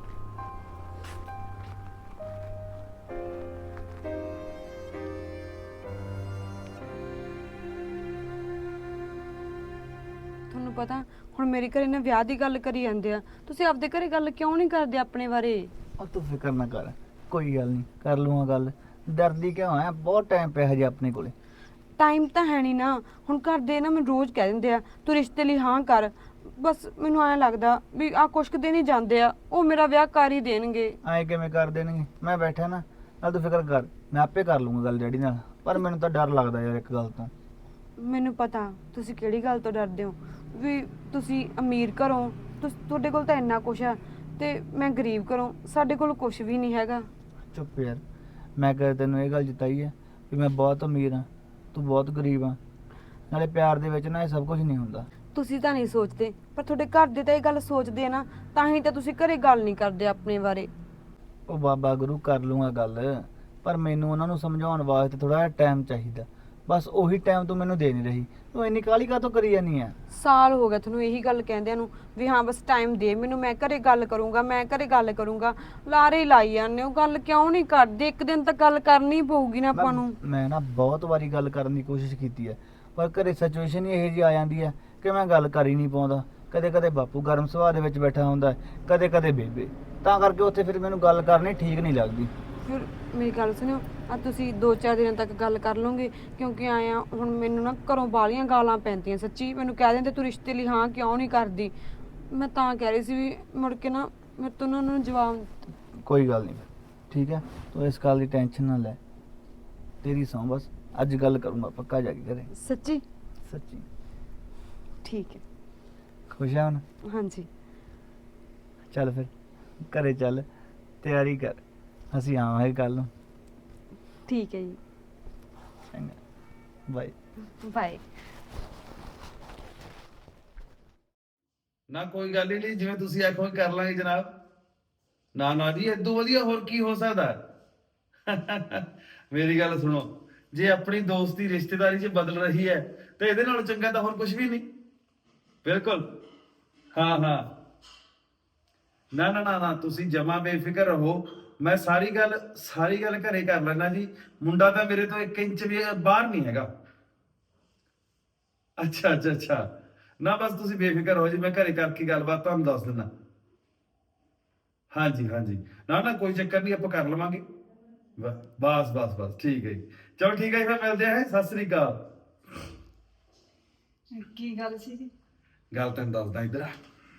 [SPEAKER 4] ਤੁਹਾਨੂੰ ਪਤਾ ਹੁਣ ਮੇਰੇ ਘਰੇ ਨਾ ਵਿਆਹ ਦੀ ਗੱਲ ਕਰੀ ਜਾਂਦੇ ਆ ਤੁਸੀਂ ਆਪਦੇ ਘਰੇ ਗੱਲ ਕਿਉਂ ਨਹੀਂ ਕਰਦੇ ਆਪਣੇ ਬਾਰੇ
[SPEAKER 7] ਉਹ ਤੂੰ ਫਿਕਰ ਨਾ ਕਰ, ਕੋਈ ਗੱਲ ਨਹੀਂ, ਕਰ ਲੂੰਗਾ ਗੱਲ। ਡਰਦੀ ਕਿਉਂ ਹੈ? ਬਹੁਤ ਟਾਈਮ ਪਿਆ ਹਜੇ ਆਪਣੇ ਕੋਲੇ।
[SPEAKER 4] ਟਾਈਮ ਤਾਂ ਹੈ ਨਹੀਂ ਨਾ ਹੁਣ ਘਰ ਦੇ ਨਾ ਮੈਨੂੰ ਰੋਜ਼ ਕਹਿ ਦਿੰਦੇ ਆ ਤੂੰ ਰਿਸ਼ਤੇ ਲਈ ਹਾਂ ਕਰ ਬਸ ਮੈਨੂੰ ਐਂ ਲੱਗਦਾ ਵੀ ਆ ਕੁਛ ਕੁ ਦਿਨ ਹੀ ਜਾਂਦੇ ਆ ਉਹ ਮੇਰਾ ਵਿਆਹ ਕਰ ਹੀ ਦੇਣਗੇ
[SPEAKER 7] ਐਂ ਕਿਵੇਂ ਕਰ ਦੇਣਗੇ? ਮੈਂ ਬੈਠਾ ਨਾ, ਨਾਲ ਤੂੰ ਫਿਕਰ ਕਰ, ਮੈਂ ਆਪੇ ਕਰ ਲੂੰਗਾ ਗੱਲ ਡੈਡੀ ਨਾਲ। ਪਰ ਮੈਨੂੰ ਤਾਂ ਡਰ ਲੱਗਦਾ ਯਾਰ ਇੱਕ ਗੱਲ ਤੋਂ।
[SPEAKER 4] ਮੈਨੂੰ ਪਤਾ ਤੁਸੀਂ ਕਿਹੜੀ ਗੱਲ ਤੋਂ ਡਰਦੇ ਹੋ ਵੀ ਤੁਸੀਂ ਅਮੀਰ ਘਰੋਂ ਤੁਹਾਡੇ ਕੋਲ ਤਾਂ ਇੰਨਾ ਕੁਛ ਆ ਤੇ ਮੈਂ ਗਰੀਬ ਘਰੋਂ ਸਾਡੇ ਕੋਲ ਕੁਛ ਵੀ ਨਹੀਂ ਹੈਗਾ।
[SPEAKER 7] ਚੁੱਪ ਯਾਰ, ਮੈਂ ਕਦੇ ਤੈਨੂੰ ਇਹ ਗੱਲ ਜਿਤਾਈ ਹੈ ਵੀ ਮੈਂ ਬਹੁਤ ਅਮੀਰ ਹਾਂ, ਤੂੰ ਬਹੁਤ ਗਰੀਬ ਆ? ਨਾਲੇ ਪਿਆਰ ਦੇ ਵਿੱਚ ਨਾ ਇਹ ਸਭ ਕੁਝ ਨਹੀਂ ਹੁੰਦਾ।
[SPEAKER 4] ਤੁਸੀਂ ਤਾਂ ਨਹੀਂ ਸੋਚਦੇ ਪਰ ਤੁਹਾਡੇ ਘਰ ਦੇ ਤਾਂ ਇਹ ਗੱਲ ਸੋਚਦੇ ਆ ਨਾ ਤਾਂ ਹੀ ਤਾਂ ਤੁਸੀਂ ਘਰੇ ਗੱਲ ਨਹੀਂ ਕਰਦੇ ਆਪਣੇ ਬਾਰੇ।
[SPEAKER 7] ਉਹ ਬਾਬਾ ਗੁਰੂ ਕਰ ਲੂੰਗਾ ਗੱਲ, ਪਰ ਮੈਨੂੰ ਉਹਨਾਂ ਨੂੰ ਸਮਝਾਉਣ ਵਾਸਤੇ ਥੋੜਾ ਜਿਹਾ ਟਾਈਮ ਚਾਹੀਦਾ। ਬਸ ਉਹੀ ਟਾਈਮ ਤੂੰ ਮੈਨੂੰ ਦੇ ਨਹੀਂ ਰਹੀ। ਤੂੰ ਇੰਨੀ ਕਾਹਲੀ ਕਾਹਤੋਂ ਕਰੀ ਜਾਨੀ ਆ?
[SPEAKER 4] ਸਾਲ ਹੋ ਗਿਆ ਤੁਹਾਨੂੰ ਇਹੀ ਗੱਲ ਕਹਿੰਦਿਆਂ ਨੂੰ ਵੀ ਹਾਂ ਬਸ ਟਾਈਮ ਦੇ ਮੈਨੂੰ ਮੈਂ ਘਰੇ ਗੱਲ ਕਰੂੰਗਾ ਮੈਂ ਘਰੇ ਗੱਲ ਕਰੂੰਗਾ ਲਾਰੇ ਹੀ ਲਾਈ ਜਾਂਦੇ ਹੋ ਗੱਲ ਕਿਉਂ ਨਹੀਂ ਕਰਦੇ? ਇੱਕ ਦਿਨ ਤਾਂ ਗੱਲ ਕਰਨੀ ਪਊਗੀ ਨਾ ਆਪਾਂ ਨੂੰ।
[SPEAKER 7] ਮੈਂ ਨਾ ਬਹੁਤ ਵਾਰੀ ਗੱਲ ਕਰਨ ਦੀ ਕੋਸ਼ਿਸ਼ ਕੀਤੀ ਹੈ ਪਰ ਘਰੇ ਸਿਚੁਏਸ਼ਨ ਹੀ ਇਹੋ ਜਿਹੀ ਆ ਜਾਂਦੀ ਹੈ ਕਿ ਮੈਂ ਗੱਲ ਕਰ ਹੀ ਨਹੀਂ ਪਾਉਂਦਾ। ਕਦੇ ਕਦੇ ਬਾਪੂ ਗਰਮ ਸੁਭਾਅ ਦੇ ਵਿੱਚ ਬੈਠਾ ਹੁੰਦਾ, ਕਦੇ ਕਦੇ ਬੇਬੇ, ਤਾਂ ਕਰਕੇ ਉੱਥੇ ਫਿਰ ਮੈਨੂੰ ਗੱਲ ਕਰਨੀ ਠੀਕ ਨਹੀਂ ਲੱਗਦੀ।
[SPEAKER 4] ਫਿਰ ਮੇਰੀ ਗੱਲ ਸੁਣਿਓ ਆ ਤੁਸੀਂ 2-4 ਦਿਨਾਂ ਤੱਕ ਗੱਲ ਕਰ ਲਓਗੇ ਕਿਉਂਕਿ ਆਇਆ ਹੁਣ ਮੈਨੂੰ ਨਾ ਘਰੋਂ ਬਾਲੀਆਂ ਗਾਲਾਂ ਪੈਂਦੀਆਂ ਸੱਚੀ ਮੈਨੂੰ ਕਹਿ ਦਿੰਦੇ ਤੂੰ ਰਿਸ਼ਤੇ ਲਈ ਹਾਂ ਕਿਉਂ ਨਹੀਂ ਕਰਦੀ ਮੈਂ ਤਾਂ ਕਹਿ ਰਹੀ ਸੀ ਵੀ ਮੁੜ ਕੇ ਨਾ ਮੇਰੇ ਤੋਂ ਉਹਨਾਂ ਨੂੰ ਜਵਾਬ
[SPEAKER 7] ਕੋਈ ਗੱਲ ਨਹੀਂ ਠੀਕ ਹੈ, ਤੂੰ ਇਸ ਗੱਲ ਦੀ ਟੈਨਸ਼ਨ ਨਾ ਲੈ, ਤੇਰੀ ਸੌਂ ਬਸ ਅੱਜ ਗੱਲ ਕਰੂੰਗਾ ਪੱਕਾ ਜਾ ਕੇ ਘਰੇ।
[SPEAKER 4] ਸੱਚੀ
[SPEAKER 7] ਸੱਚੀ
[SPEAKER 4] ਠੀਕ ਹੈ
[SPEAKER 7] ਖੁਸ਼ ਆ ਹੁਣ?
[SPEAKER 4] ਹਾਂਜੀ
[SPEAKER 7] ਚੱਲ ਫਿਰ ਘਰੇ ਚੱਲ, ਤਿਆਰੀ ਕਰ, ਅਸੀਂ ਆਵਾਂਗੇ ਕੱਲ ਨੂੰ।
[SPEAKER 4] ਠੀਕ ਹੈ ਜੀ
[SPEAKER 7] ਚੰਗਾ ਬਾਏ।
[SPEAKER 4] ਬਾਏ।
[SPEAKER 8] ਨਾ ਕੋਈ ਗੱਲ ਹੀ ਨਹੀਂ, ਜਿਵੇਂ ਤੁਸੀਂ ਆਖੋ ਕਰ ਲਾਂਗੇ ਜਨਾਬ। ਨਾ ਨਾ ਜੀ, ਇਦੋਂ ਵਧੀਆ ਹੋਰ ਕੀ ਹੋ ਸਕਦਾ। ਮੇਰੀ ਗੱਲ ਸੁਣੋ, ਜੇ ਆਪਣੀ ਦੋਸਤੀ ਰਿਸ਼ਤੇਦਾਰੀ 'ਚ ਬਦਲ ਰਹੀ ਹੈ ਤੇ ਇਹਦੇ ਨਾਲੋਂ ਚੰਗਾ ਤਾਂ ਹੋਰ ਕੁਝ ਵੀ ਨਹੀਂ। ਬਿਲਕੁਲ ਹਾਂ ਹਾਂ, ਨਾ ਨਾ ਨਾ ਨਾ, ਤੁਸੀਂ ਜਮਾ ਬੇਫਿਕਰ ਰਹੋ, ਮੈਂ ਸਾਰੀ ਗੱਲ ਘਰੇ ਕਰ ਲੈਣਾ ਜੀ। ਮੁੰਡਾ ਤਾਂ ਮੇਰੇ ਤੋਂ 1 ਇੰਚ ਵੀ ਬਾਹਰ ਨਹੀਂ ਹੈਗਾ। ਅੱਛਾ ਅੱਛਾ ਅੱਛਾ, ਨਾ ਬਸ ਤੁਸੀਂ ਬੇਫਿਕਰ ਹੋ ਜੀ, ਮੈਂ ਘਰੇ ਕਰਕੇ ਗੱਲਬਾਤ ਤੁਹਾਨੂੰ ਦੱਸ ਦਿੰਦਾ। ਹਾਂਜੀ ਹਾਂਜੀ, ਨਾ ਨਾ ਕੋਈ ਚੱਕਰ ਨਹੀਂ, ਆਪਾਂ ਕਰ ਲਵਾਂਗੇ। ਬਸ ਬਸ ਬਸ ਠੀਕ ਹੈ ਜੀ, ਚਲੋ ਠੀਕ ਹੈ ਜੀ, ਫਿਰ ਮਿਲਦੇ ਹਾਂ। ਸਤਿ ਸ੍ਰੀ ਅਕਾਲ।
[SPEAKER 4] ਕੀ ਗੱਲ ਸੀ ਜੀ?
[SPEAKER 8] ਗੱਲ ਤੈਨੂੰ ਦੱਸਦਾ, ਇੱਧਰ ਆ।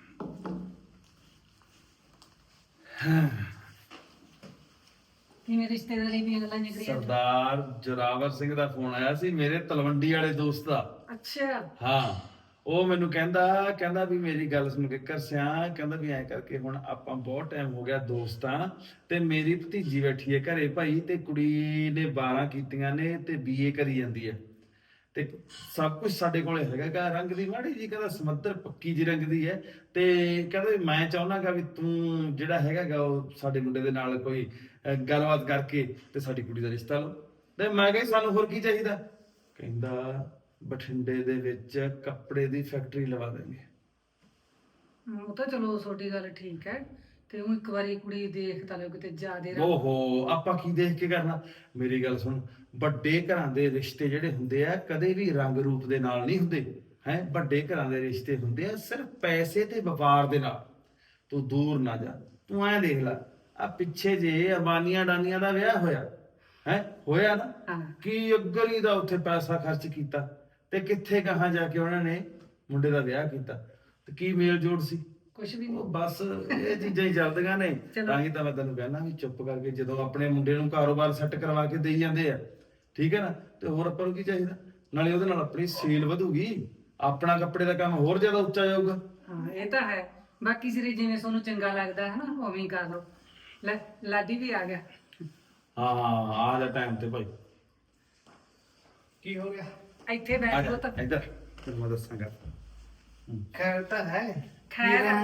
[SPEAKER 9] ਕਿਵੇਂ ਰਿਸ਼ਤੇਦਾਰੀ ਦੀਆਂ ਗੱਲਾਂ ਨਿਕਲੀਆਂ?
[SPEAKER 8] ਸਰਦਾਰ ਜੋਰਾਵਰ ਸਿੰਘ ਦਾ ਫੋਨ ਆਇਆ ਸੀ, ਮੇਰੇ ਤਲਵੰਡੀ ਵਾਲੇ ਦੋਸਤ ਦਾ।
[SPEAKER 9] ਅੱਛਾ।
[SPEAKER 8] ਹਾਂ, ਉਹ ਮੈਨੂੰ ਕਹਿੰਦਾ ਵੀ ਮੇਰੀ ਗੱਲ ਸੁਣ ਕੇ ਕਰਸਿਆ, ਕਹਿੰਦਾ ਵੀ ਐ ਕਰਕੇ ਹੁਣ ਆਪਾਂ ਬਹੁਤ ਟਾਈਮ ਹੋ ਗਿਆ ਦੋਸਤਾਂ, ਤੇ ਮੇਰੀ ਭਤੀਜੀ ਬੈਠੀ ਹੈ ਘਰੇ ਭਾਈ, ਤੇ ਕੁੜੀ ਨੇ 12 ਕੀਤੀਆਂ ਨੇ ਤੇ BA ਕਰੀ ਜਾਂਦੀ ਹੈ, ਤੇ ਸਭ ਕੁਝ ਸਾਡੇ ਕੋਲੇ ਹੈਗਾ। ਰੰਗ ਦੀ ਮਾੜੀ ਜੀ ਕਹਿੰਦਾ ਸਮੱਧਰ ਪੱਕੀ ਜੀ ਰੰਗ ਦੀ ਹੈ, ਤੇ ਕਹਿੰਦਾ ਵੀ ਮੈਂ ਚਾਹੁੰਦਾਗਾ ਵੀ ਤੂੰ ਜਿਹੜਾ ਹੈਗਾ ਉਹ ਸਾਡੇ ਮੁੰਡੇ ਦੇ ਨਾਲ ਕੋਈ ਗੱਲਬਾਤ ਕਰਕੇ ਤੇ ਸਾਡੀ ਕੁੜੀ ਦਾ ਰਿਸ਼ਤਾ ਲਓ। ਤੇ ਮੈਂ ਕਿਹਾ ਸਾਨੂੰ ਹੋਰ ਕੀ ਚਾਹੀਦਾ? ਕਹਿੰਦਾ ਬਠਿੰਡੇ ਦੇ ਵਿੱਚ ਕੱਪੜੇ ਦੀ ਫੈਕਟਰੀ ਲਵਾ ਦੇਣਗੇ।
[SPEAKER 9] ਉਹ ਤਾਂ ਚਲੋ ਤੁਹਾਡੀ ਗੱਲ ਠੀਕ ਹੈ, ਤੇ ਉਹ ਇੱਕ ਵਾਰੀ ਕੁੜੀ ਦੇਖ ਤਾਂ ਲਓ ਕਿਤੇ ਜ਼ਿਆਦੇ
[SPEAKER 8] ਓਹੋ, ਆਪਾਂ ਕੀ ਦੇਖ ਕੇ ਕਰਨਾ? ਮੇਰੀ ਗੱਲ ਸੁਣ, ਵੱਡੇ ਘਰਾਂ ਦੇ ਰਿਸ਼ਤੇ ਜਿਹੜੇ ਹੁੰਦੇ ਆ ਕਦੇ ਵੀ ਰੰਗ ਰੂਪ ਦੇ ਨਾਲ ਨਹੀਂ ਹੁੰਦੇ ਹੈ। ਵੱਡੇ ਘਰਾਂ ਦੇ ਰਿਸ਼ਤੇ ਹੁੰਦੇ ਆ ਸਿਰਫ ਪੈਸੇ ਤੇ ਵਪਾਰ ਦੇ ਨਾਲ। ਤੂੰ ਦੂਰ ਨਾ ਜਾ, ਤੂੰ ਐਂ ਦੇਖ ਲੈ, ਆ ਪਿੱਛੇ ਜੇ ਅਬਾਨੀਆਂ ਡਾਨੀਆਂ ਦਾ ਵਿਆਹ ਹੋਇਆ ਨਾ, ਕੀ ਅੱਗਲੀ ਦਾ ਉੱਥੇ ਪੈਸਾ ਖਰਚ ਕੀਤਾ, ਤੇ ਕਿੱਥੇ ਕਹਾਂ ਜਾ ਕੇ ਉਹਨਾਂ ਨੇ ਮੁੰਡੇ ਦਾ ਵਿਆਹ ਕੀਤਾ, ਤੇ ਕੀ ਮੇਲ ਜੋੜ ਸੀ?
[SPEAKER 9] ਕੁਝ ਵੀ ਨਹੀਂ।
[SPEAKER 8] ਬਸ ਇਹ ਚੀਜ਼ਾਂ ਹੀ ਚੱਲਦੀਆਂ ਨੇ। ਤਾਂ ਹੀ ਤਾਂ ਮੈਂ ਤੈਨੂੰ ਕਹਿਣਾ ਵੀ ਚੁੱਪ ਕਰਕੇ ਜਦੋਂ ਆਪਣੇ ਮੁੰਡੇ ਨੂੰ ਕਾਰੋਬਾਰ ਸੈੱਟ ਕਰਵਾ ਕੇ ਦੇਈ ਜਾਂਦੇ ਆ, ਠੀਕ ਹੈ ਨਾ, ਤੇ ਹੋਰ ਆਪਾਂ ਨੂੰ ਕੀ ਚਾਹੀਦਾ? ਨਾਲੇ ਉਹਦੇ ਨਾਲ ਆਪਣੀ ਸੇਲ ਵਧੂਗੀ, ਆਪਣਾ ਕੱਪੜੇ ਦਾ ਕੰਮ ਹੋਰ ਜ਼ਿਆਦਾ ਉੱਚਾ ਜਾਊਗਾ।
[SPEAKER 9] ਹਾਂ ਇਹ ਤਾਂ ਹੈ, ਬਾਕੀ ਸਿਰੇ ਜਿਵੇਂ ਤੁਹਾਨੂੰ ਚੰਗਾ ਲੱਗਦਾ ਹੈ ਨਾ ਉਵੇਂ ਹੀ ਕਰ ਲਓ। ਲੈ ਲਾਡੀ ਵੀ ਆ ਗਿਆ।
[SPEAKER 8] ਹਾਂ ਹਾਂ, ਆ ਜਾ ਟਾਈਮ ਤੇ ਭਾਈ। ਕੀ ਹੋ ਗਿਆ?
[SPEAKER 9] ਇੱਥੇ
[SPEAKER 8] ਆ
[SPEAKER 9] ਬੈਠ
[SPEAKER 8] ਜਾ
[SPEAKER 9] ਲਓ ਤਾਂ।
[SPEAKER 8] ਇੱਧਰ, ਤੈਨੂੰ ਮੈਂ ਦੱਸਾਂਗਾ।
[SPEAKER 7] ਖੈਰ ਤਾਂ ਹੈ।
[SPEAKER 9] ਖੈਰ ਹੈ।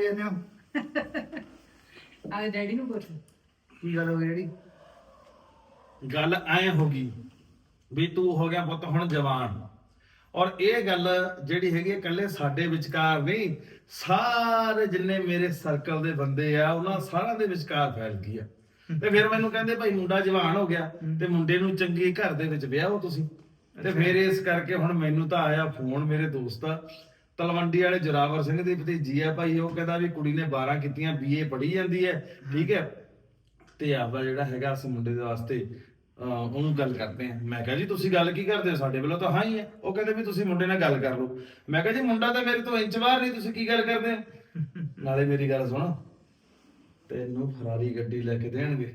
[SPEAKER 9] ਆ ਡੈਡੀ ਨੂੰ ਪੁੱਛ।
[SPEAKER 7] ਕੀ ਗੱਲ ਹੋ ਗਈ ਜਿਹੜੀ?
[SPEAKER 8] ਗੱਲ ਐ ਹੋ ਗਈ ਵੀ ਤੂੰ ਹੋ ਗਿਆ ਪੁੱਤ ਹੁਣ ਜਵਾਨ, ਔਰ ਇਹ ਗੱਲ ਜਿਹੜੀ ਹੈਗੀ ਇਕੱਲੇ ਸਾਡੇ ਵਿਚਕਾਰ ਨਹੀਂ, ਸਾਰੇ ਜਿੰਨੇ ਮੇਰੇ ਸਰਕਲ ਦੇ ਬੰਦੇ ਆ ਉਹਨਾਂ ਸਾਰਿਆਂ ਦੇ ਵਿਚਕਾਰ ਫੈਲ ਗਈ ਆ। ਤੇ ਫਿਰ ਮੈਨੂੰ ਕਹਿੰਦੇ ਭਾਈ ਮੁੰਡਾ ਜਵਾਨ ਹੋ ਗਿਆ ਤੇ ਮੁੰਡੇ ਨੂੰ ਚੰਗੇ ਘਰ ਦੇ ਵਿੱਚ ਵਿਆਹੋ ਤੁਸੀਂ। ਤੇ ਫਿਰ ਇਸ ਕਰਕੇ ਹੁਣ ਮੈਨੂੰ ਤਾਂ ਆਇਆ ਫੋਨ, ਮੇਰੇ ਦੋਸਤ ਤਲਵੰਡੀ ਵਾਲੇ ਜੋਰਾਵਰ ਸਿੰਘ ਦੀ ਭਤੀਜੀ ਆ ਭਾਈ, ਉਹ ਕਹਿੰਦਾ ਵੀ ਕੁੜੀ ਨੇ 12 ਕੀਤੀਆਂ, BA ਪੜ੍ਹੀ ਜਾਂਦੀ ਹੈ, ਠੀਕ ਹੈ, ਤੇ ਆਪਦਾ ਜਿਹੜਾ ਹੈਗਾ ਉਸ ਮੁੰਡੇ ਦੇ ਵਾਸਤੇ ਉਹਨੂੰ ਗੱਲ ਕਰਦੇ ਆ। ਮੈਂ ਕਿਹਾ ਜੀ ਤੁਸੀਂ ਗੱਲ ਕੀ ਕਰਦੇ ਹੋ? ਸਾਡੇ ਵੱਲੋਂ ਤਾਂ ਹਾਂ ਹੀ ਹੈ। ਉਹ ਕਹਿੰਦੇ ਵੀ ਤੁਸੀਂ ਮੁੰਡੇ ਨਾਲ ਗੱਲ ਕਰ ਲਓ। ਮੈਂ ਕਿਹਾ ਜੀ ਮੁੰਡਾ ਤਾਂ ਮੇਰੇ ਤੋਂ ਇੰਚ ਬਾਹਰ ਨਹੀਂ, ਤੁਸੀਂ ਕੀ ਗੱਲ ਕਰਦੇ ਹੋ? ਨਾਲੇ ਮੇਰੀ ਗੱਲ ਸੁਣ, ਤੈਨੂੰ ਫਰਾਰੀ ਗੱਡੀ ਲੈ ਕੇ ਦੇਣਗੇ,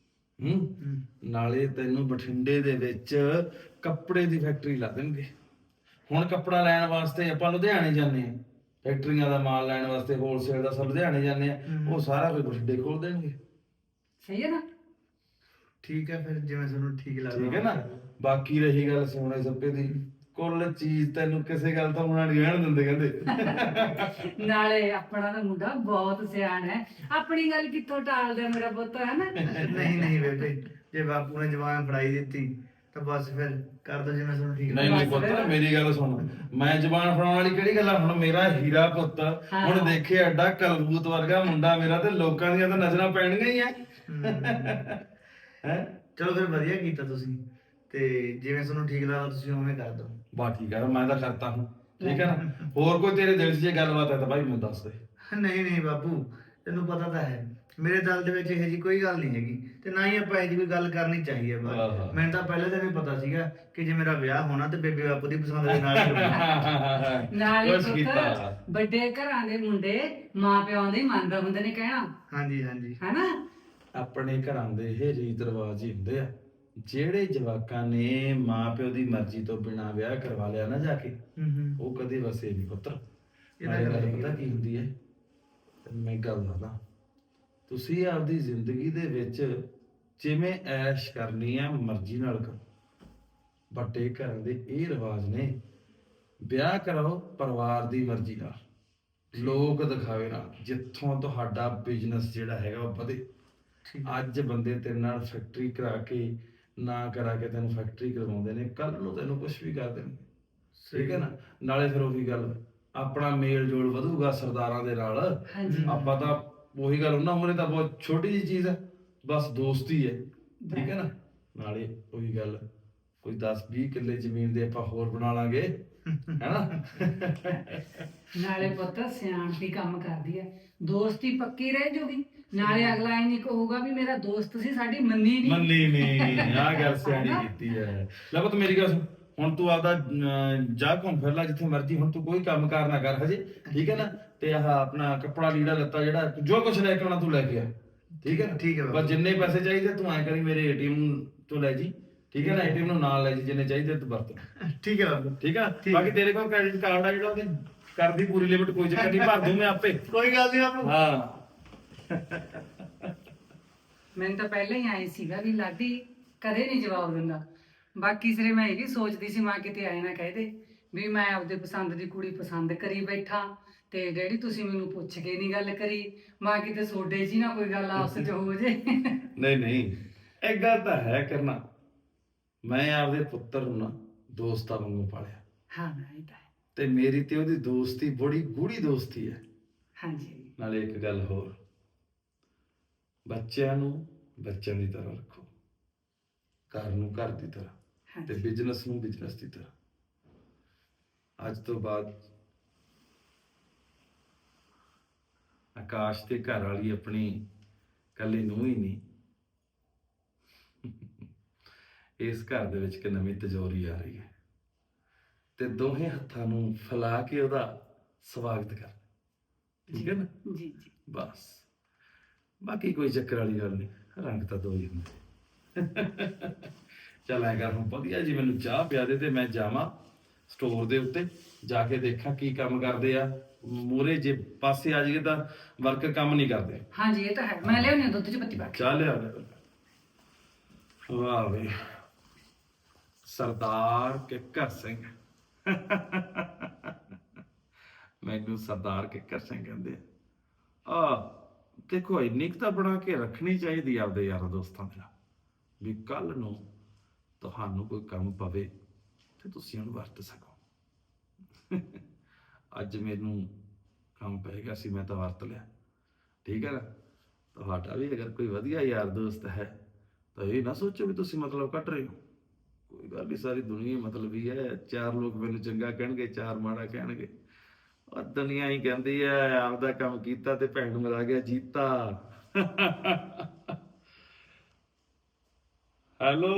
[SPEAKER 8] ਨਾਲੇ ਤੈਨੂੰ ਬਠਿੰਡੇ ਦੇ ਵਿੱਚ ਕੱਪੜੇ ਦੀ ਫੈਕਟਰੀ ਲਾ ਦੇਣਗੇ। ਹੁਣ ਕੱਪੜਾ ਲੈਣ ਵਾਸਤੇ ਆਪਾਂ ਲੁਧਿਆਣੇ ਜਾਂਦੇ ਆ, ਫੈਕਟਰੀਆਂ ਦਾ ਮਾਲ ਲੈਣ ਵਾਸਤੇ ਹੋਲਸੇਲ ਦਾ ਸਭ ਲੁਧਿਆਣੇ ਜਾਂਦੇ ਆ, ਉਹ ਸਾਰਾ ਕੁਝ ਬਠਿੰਡੇ ਖੋਲ ਦੇਣਗੇ।
[SPEAKER 9] ਸਹੀ ਹੈ ਨਾ?
[SPEAKER 7] ਠੀਕ ਹੈ, ਫਿਰ ਜਿਵੇਂ ਤੁਹਾਨੂੰ ਠੀਕ ਲੱਗਦਾ।
[SPEAKER 8] ਠੀਕ ਹੈ ਨਾ। ਬਾਕੀ ਰਹੀ ਗੱਲ ਸੋਨੇ ਸੱਪੇ ਦੀ, ਕੁੱਲ ਚੀਜ਼ ਤੈਨੂੰ ਕਿਸੇ ਗੱਲ ਤੋਂ ਉਹਨਾਂ ਨਹੀਂ ਰਹਿਣ ਦਿੰਦੇ ਕਹਿੰਦੇ।
[SPEAKER 9] ਨਾਲੇ ਆਪਣਾ ਤਾਂ ਮੁੰਡਾ ਬਹੁਤ ਸਿਆਣਾ ਹੈ, ਆਪਣੀ ਗੱਲ ਕਿੱਥੋਂ ਟਾਲਦਾ ਮੇਰਾ ਪੁੱਤ, ਹੈ ਨਾ?
[SPEAKER 7] ਨਹੀਂ ਨਹੀਂ ਬੇਟੇ, ਜੇ ਬਾਪੂ ਨੇ ਜਵਾਨ ਫੜਾਈ ਦਿੱਤੀ ਤਾਂ ਬਸ ਫਿਰ ਕਰ ਦੋ ਜਿਵੇਂ ਤੁਹਾਨੂੰ ਠੀਕ
[SPEAKER 8] ਨਹੀਂ ਨਹੀਂ ਪੁੱਤ, ਮੇਰੀ ਗੱਲ ਸੁਣ, ਮੈਂ ਜ਼ਬਾਨ ਫੜਾਉਣ ਵਾਲੀ ਕਿਹੜੀ ਗੱਲ ਆ? ਹੁਣ ਮੇਰਾ ਹੀਰਾ ਪੁੱਤ ਹੁਣ ਦੇਖੇ ਐਡਾ ਕਲਬੂਤ ਵਰਗਾ ਮੁੰਡਾ ਮੇਰਾ, ਤੇ ਲੋਕਾਂ ਦੀਆਂ ਤਾਂ ਨਜ਼ਰਾਂ ਪੈਣਗੀਆਂ ਹੀ ਆ।
[SPEAKER 7] ਚਲੋ ਫਿਰ ਵਧੀਆ ਕੀਤਾ ਤੁਸੀਂ, ਤੇ ਜਿਵੇਂ ਤੁਹਾਨੂੰ ਠੀਕ ਲੱਗਦਾ ਤੁਸੀਂ ਉਵੇਂ ਕਰ ਦਿਓ।
[SPEAKER 8] ਬਾ ਠੀਕ ਆ, ਮੈਂ ਤਾਂ ਕਰਤਾ ਹੂੰ, ਠੀਕ ਹੈ ਨਾ। ਹੋਰ ਕੋਈ ਤੇਰੇ ਦਿਲ 'ਚ ਜੇ ਗੱਲਬਾਤ ਹੈ ਤਾਂ ਭਾਈ ਮੈਨੂੰ ਦੱਸ ਦੇ।
[SPEAKER 7] ਨਹੀਂ ਨਹੀਂ ਬਾਪੂ, ਤੈਨੂੰ ਪਤਾ ਤਾਂ ਹੈ ਮੇਰੇ ਦਿਲ ਦੇ ਵਿੱਚ ਇਹੋ ਜੀ ਕੋਈ ਗੱਲ ਨਹੀਂ ਹੈਗੀ ਤੇ ਨਾ ਹੀ ਆਪਾਂ ਇਹੋ ਜੀ ਕੋਈ ਗੱਲ ਕਰਨੀ ਚਾਹੀਦੀ ਹੈ ਬਸ। ਮੈਨੂੰ ਤਾਂ ਪਹਿਲੇ ਦਿਨ ਹੀ ਪਤਾ ਸੀਗਾ ਕਿ ਜੇ ਮੇਰਾ ਵਿਆਹ ਹੋਣਾ ਤੇ ਬੇਬੇ ਬਾਪੂ ਦੀ ਪਸੰਦ ਦੇ ਨਾਲ ਹੀ ਹੋਣਾ।
[SPEAKER 9] ਨਾਲ ਹੀ
[SPEAKER 8] ਬਸ ਕੀਤਾ।
[SPEAKER 9] ਪੁੱਤ ਵੱਡੇ ਘਰਾਂ ਦੇ ਮੁੰਡੇ ਮਾਂ ਪਿਓ ਦੇ ਮੰਨਦੇ ਹੁੰਦੇ ਨੇ ਕਹਿਣਾ,
[SPEAKER 7] ਹਾਂਜੀ ਹਾਂਜੀ
[SPEAKER 9] ਹੈਨਾ?
[SPEAKER 8] ਆਪਣੇ ਘਰਾਂ ਦੇ ਇਹ ਰੀਤ ਰਿਵਾਜ ਹੀ ਹੁੰਦੇ ਆ। ਜਿਹੜੇ ਜਵਾਕਾਂ ਨੇ ਮਾਪਿਓ ਦੀ ਮਰਜ਼ੀ ਤੋਂ ਬਿਨਾਂ ਵਿਆਹ ਕਰਵਾ ਲਿਆ ਨਾ ਜਾ ਕੇ, ਉਹ ਕਦੇ ਵਸੇ ਨਹੀਂ ਪੁੱਤਰ।
[SPEAKER 7] ਇਹਦਾ
[SPEAKER 8] ਨਾਲੇ
[SPEAKER 7] ਗੱਲ
[SPEAKER 8] ਗੱਲ
[SPEAKER 7] ਹੈਗੀ
[SPEAKER 8] ਪਤਾ ਕੀ ਹੁੰਦੀ ਹੈ, ਤੈਨੂੰ ਮੈਂ ਗੱਲ ਦੱਸਦਾ, ਤੁਸੀਂ ਆਪਦੀ ਜ਼ਿੰਦਗੀ ਦੇ ਵਿੱਚ ਜਿਵੇਂ ਐਸ਼ ਕਰਨੀ ਆ ਮਰਜ਼ੀ ਨਾਲ ਕਰੋ। ਵੱਡੇ ਘਰਾਂ ਦੇ ਇਹ ਰਿਵਾਜ ਨੇ, ਵਿਆਹ ਕਰਾਓ ਪਰਿਵਾਰ ਦੀ ਮਰਜ਼ੀ ਨਾਲ, ਲੋਕ ਦਿਖਾਵੇ ਨਾਲ, ਜਿੱਥੋਂ ਤੁਹਾਡਾ ਬਿਜ਼ਨਸ ਜਿਹੜਾ ਹੈਗਾ ਉਹ ਵਧੇ। ਅੱਜ ਬੰਦੇ ਤੇਰੇ ਨਾਲ ਫੈਕਟਰੀ ਕਰਾ ਕੇ ਨਾ ਕਰਾ ਕੇ ਤੈਨੂੰ ਫੈਕਟਰੀ ਕਰਵਾਉਂਦੇ ਨੇ, ਕੱਲ ਨੂੰ ਤੈਨੂੰ ਕੁਝ ਵੀ ਕਰ ਦੇਣਗੇ। ਠੀਕ ਹੈ ਨਾ? ਨਾਲੇ ਫਿਰ ਉਹੀ ਗੱਲ, ਆਪਣਾ ਮੇਲ ਜੋਲ ਵਧੂਗਾ ਸਰਦਾਰਾਂ ਦੇ ਨਾਲ। ਆਪਾਂ ਤਾਂ ਉਹੀ ਗੱਲ, ਉਹਨਾਂ ਮੂਹਰੇ ਤਾਂ ਬਹੁਤ ਛੋਟੀ ਜਿਹੀ ਚੀਜ਼ ਹੈ, ਬਸ ਦੋਸਤੀ ਹੈ। ਠੀਕ ਹੈ ਨਾ? ਨਾਲੇ ਉਹੀ ਗੱਲ, ਕੋਈ 10-20 ਕਿੱਲੇ ਜ਼ਮੀਨ ਦੇ ਆਪਾਂ ਹੋਰ ਬਣਾ ਲਾਂਗੇ, ਹੈਨਾ?
[SPEAKER 9] ਨਾਲੇ ਪੁੱਤ ਸਿਆਣਪੀ ਕੰਮ ਕਰਦੀ ਹੈ, ਦੋਸਤੀ ਪੱਕੀ ਰਹਿ ਜੂਗੀ। ਨਾਲੇ ਅਗਲਾ ਇਹ ਨਹੀਂ ਕਹੂਗਾ ਵੀ ਮੇਰਾ ਦੋਸਤ ਸੀ, ਸਾਡੀ ਮੰਨੀ ਨਹੀਂ।
[SPEAKER 8] ਮੰਨੀ ਨਹੀਂ, ਆਹ ਗੱਲ ਸਿਆਣੀ ਕੀਤੀ ਹੈ। ਲੈ ਪੁੱਤ ਮੇਰੀ ਗੱਲ ਸੁਣ, ਹੁਣ ਤੂੰ ਆਪਦਾ ਜਾ ਘੁੰਮ ਫਿਰ ਲੈ ਜਿੱਥੇ ਮਰਜ਼ੀ, ਹੁਣ ਤੂੰ ਕੋਈ ਕੰਮ ਕਾਰ ਨਾ ਕਰ ਹਜੇ। ਠੀਕ ਹੈ ਨਾ? ਤੇ ਆਹ ਆਪਣਾ ਕੱਪੜਾ ਲੀੜਾ ਲੱਤਾ ਜਿਹੜਾ ਜੋ ਕੁਝ ਲੈ ਕੇ ਆਉਣਾ ਤੂੰ ਲੈ ਕੇ ਆ। ਠੀਕ ਹੈ ਨਾ?
[SPEAKER 7] ਠੀਕ ਹੈ ਬਾਬਾ।
[SPEAKER 8] ਬਸ ਜਿੰਨੇ ਪੈਸੇ ਚਾਹੀਦੇ ਤੂੰ ਐ ਕਰੀ ਮੇਰੇ ਏਟੀਐਮ ਤੋਂ ਲੈ ਜੀ। ਠੀਕ ਹੈ ਨਾ? ਏਟੀਐਮ ਨੂੰ ਨਾਲ ਲੈ ਜੀ, ਜਿੰਨੇ ਚਾਹੀਦੇ ਤੂੰ ਵਰਤ।
[SPEAKER 7] ਠੀਕ ਹੈ ਬਾਬਾ।
[SPEAKER 8] ਠੀਕ ਆ? ਬਾਕੀ ਤੇਰੇ ਕੋਲ ਕ੍ਰੈਡਿਟ ਕਾਰਡ ਆ ਜਿਹੜਾ, ਉਹਦੀ ਕਰਦੀ ਪੂਰੀ ਲਿਮਿਟ, ਕੋਈ ਚੱਕਰ ਨਹੀਂ, ਭਰ ਦੂੰ ਮੈਂ ਆਪੇ।
[SPEAKER 7] ਕੋਈ ਗੱਲ ਨਹੀਂ ਬਾਬਾ।
[SPEAKER 8] ਹਾਂ
[SPEAKER 9] ਮੈਨੂੰ ਤਾਂ ਪਹਿਲਾਂ ਹੀ ਆਏ ਸੀਗਾ ਵੀ ਲਾਡੀ ਕਦੇ ਨਹੀਂ ਜਵਾਬ ਦਿੰਦਾ। ਬਾਕੀ ਸਿਰੇ ਮੈਂ ਇਹ ਵੀ ਸੋਚਦੀ ਸੀ ਮਾਂ ਕਿਤੇ ਆਏ ਨਾ ਕਹਿ ਦੇ ਵੀ ਮੈਂ ਆਪਦੇ ਪਸੰਦ ਦੀ ਕੁੜੀ ਪਸੰਦ ਕਰੀ ਬੈਠਾ ਤੇ ਡੈਡੀ ਤੁਸੀਂ ਮੈਨੂੰ ਪੁੱਛ ਕੇ ਨਹੀਂ ਗੱਲ ਕਰੀ, ਮਾਂ ਕਿਤੇ ਸੋਡੇ ਜੀ ਨਾ ਕੋਈ ਗੱਲ ਆਪਸ ਚ ਹੋ ਜੇ।
[SPEAKER 8] ਨਹੀਂ ਨਹੀਂ, ਇੱਕ ਗੱਲ ਤਾਂ ਹੈ ਕਰਨਾ, ਮੈਂ ਆਪਦੇ ਪੁੱਤਰ ਨੂੰ ਨਾ ਦੋਸਤਾਂ ਵਾਂਗੂ ਪਾਲਿਆ।
[SPEAKER 9] ਹਾਂ ਇਹ ਤਾਂ ਹੈ।
[SPEAKER 8] ਤੇ ਮੇਰੀ ਤੇ ਉਹਦੀ ਦੋਸਤੀ ਬੜੀ ਗੂੜੀ ਦੋਸਤੀ ਹੈ।
[SPEAKER 9] ਹਾਂਜੀ
[SPEAKER 8] ਨਾਲੇ ਇੱਕ ਗੱਲ ਹੋਰ, ਬੱਚਿਆਂ ਨੂੰ ਬੱਚਿਆਂ ਦੀ ਤਰ੍ਹਾਂ ਰੱਖੋ, ਘਰ ਨੂੰ ਘਰ ਦੀ ਤਰ੍ਹਾਂ, ਤੇ ਬਿਜ਼ਨਸ ਨੂੰ ਬਿਜ਼ਨਸ ਦੀ ਤਰ੍ਹਾਂ। ਅੱਜ ਤੋਂ ਬਾਅਦ ਆਕਾਸ਼ ਤੇ ਘਰ ਵਾਲੀ ਆਪਣੀ ਕੱਲੀ ਨੂੰ ਹੀ ਨਹੀਂ, ਇਸ ਘਰ ਦੇ ਵਿੱਚ ਇੱਕ ਨਵੀਂ ਤਿਜੋਰੀ ਆ ਰਹੀ ਹੈ, ਤੇ ਦੋਹੇ ਹੱਥਾਂ ਨੂੰ ਫੈਲਾ ਕੇ ਉਹਦਾ ਸਵਾਗਤ ਕਰ। ਠੀਕ ਹੈ ਨਾ?
[SPEAKER 9] ਜੀ ਜੀ।
[SPEAKER 8] ਬਸ ਬਾਕੀ ਕੋਈ ਚੱਕਰ ਵਾਲੀ ਗੱਲ ਨਹੀਂ, ਰੰਗ ਤਾਂ ਦੋ ਹੀ ਹੁੰਦੇ। ਚੱਲ ਐਂ ਕਰ, ਹੁਣ ਵਧੀਆ ਜੀ ਮੈਨੂੰ ਚਾਹ ਪਿਆ ਦੇ ਤੇ ਮੈਂ ਜਾਵਾਂ ਸਟੋਰ ਦੇ ਉੱਤੇ ਜਾ ਕੇ ਦੇਖਾਂ ਕੀ ਕੰਮ ਕਰਦੇ ਆ। ਮੂਰੇ ਜੇ ਪਾਸੇ ਆ ਜਾਈਏ ਤਾਂ ਵਰਕਰ ਕੰਮ ਨਹੀਂ ਕਰਦੇ।
[SPEAKER 9] ਹਾਂਜੀ ਇਹ ਤਾਂ ਹੈ, ਮੈਂ ਲਿਆਉਣੀ ਦੁੱਧ ਚ ਪੱਤੀ ਪਾ ਕੇ।
[SPEAKER 8] ਚਾਹ ਲਿਆ ਦੇ। ਵਾਹ ਵੇ, ਸਰਦਾਰ ਕਿੱਕਰ ਸਿੰਘ। ਮੈਨੂੰ ਸਰਦਾਰ ਕਿੱਕਰ ਸਿੰਘ ਕਹਿੰਦੇ ਆ। ਦੇਖੋ ਇੰਨੀ ਕੁ ਤਾਂ ਬਣਾ ਕੇ ਰੱਖਣੀ ਚਾਹੀਦੀ ਆਪਦੇ ਯਾਰਾਂ ਦੋਸਤਾਂ ਦੇ ਨਾਲ, ਵੀ ਕੱਲ ਨੂੰ ਤੁਹਾਨੂੰ ਕੋਈ ਕੰਮ ਪਵੇ ਤੇ ਤੁਸੀਂ ਉਹਨੂੰ ਵਰਤ ਸਕੋ। ਅੱਜ ਮੈਨੂੰ ਕੰਮ ਪੈ ਗਿਆ ਸੀ, ਮੈਂ ਤਾਂ ਵਰਤ ਲਿਆ। ਠੀਕ ਹੈ ਨਾ? ਤੁਹਾਡਾ ਵੀ ਅਗਰ ਕੋਈ ਵਧੀਆ ਯਾਰ ਦੋਸਤ ਹੈ ਤਾਂ ਇਹ ਨਾ ਸੋਚੋ ਵੀ ਤੁਸੀਂ ਮਤਲਬ ਕੱਢ ਰਹੇ ਹੋ। ਕੋਈ ਗੱਲ ਨਹੀਂ, ਸਾਰੀ ਦੁਨੀਆ ਮਤਲਬ ਹੀ ਹੈ। ਚਾਰ ਲੋਕ ਮੈਨੂੰ ਚੰਗਾ ਕਹਿਣਗੇ, ਚਾਰ ਮਾੜਾ ਕਹਿਣਗੇ। ਉਹ ਦੁਨੀਆ ਹੀ ਕਹਿੰਦੀ ਹੈ ਆਪਦਾ ਕੰਮ ਕੀਤਾ ਤੇ ਭੈਣ ਨੂੰ ਮਿਲਾ ਗਿਆ ਜੀਤਾ। ਹੈਲੋ,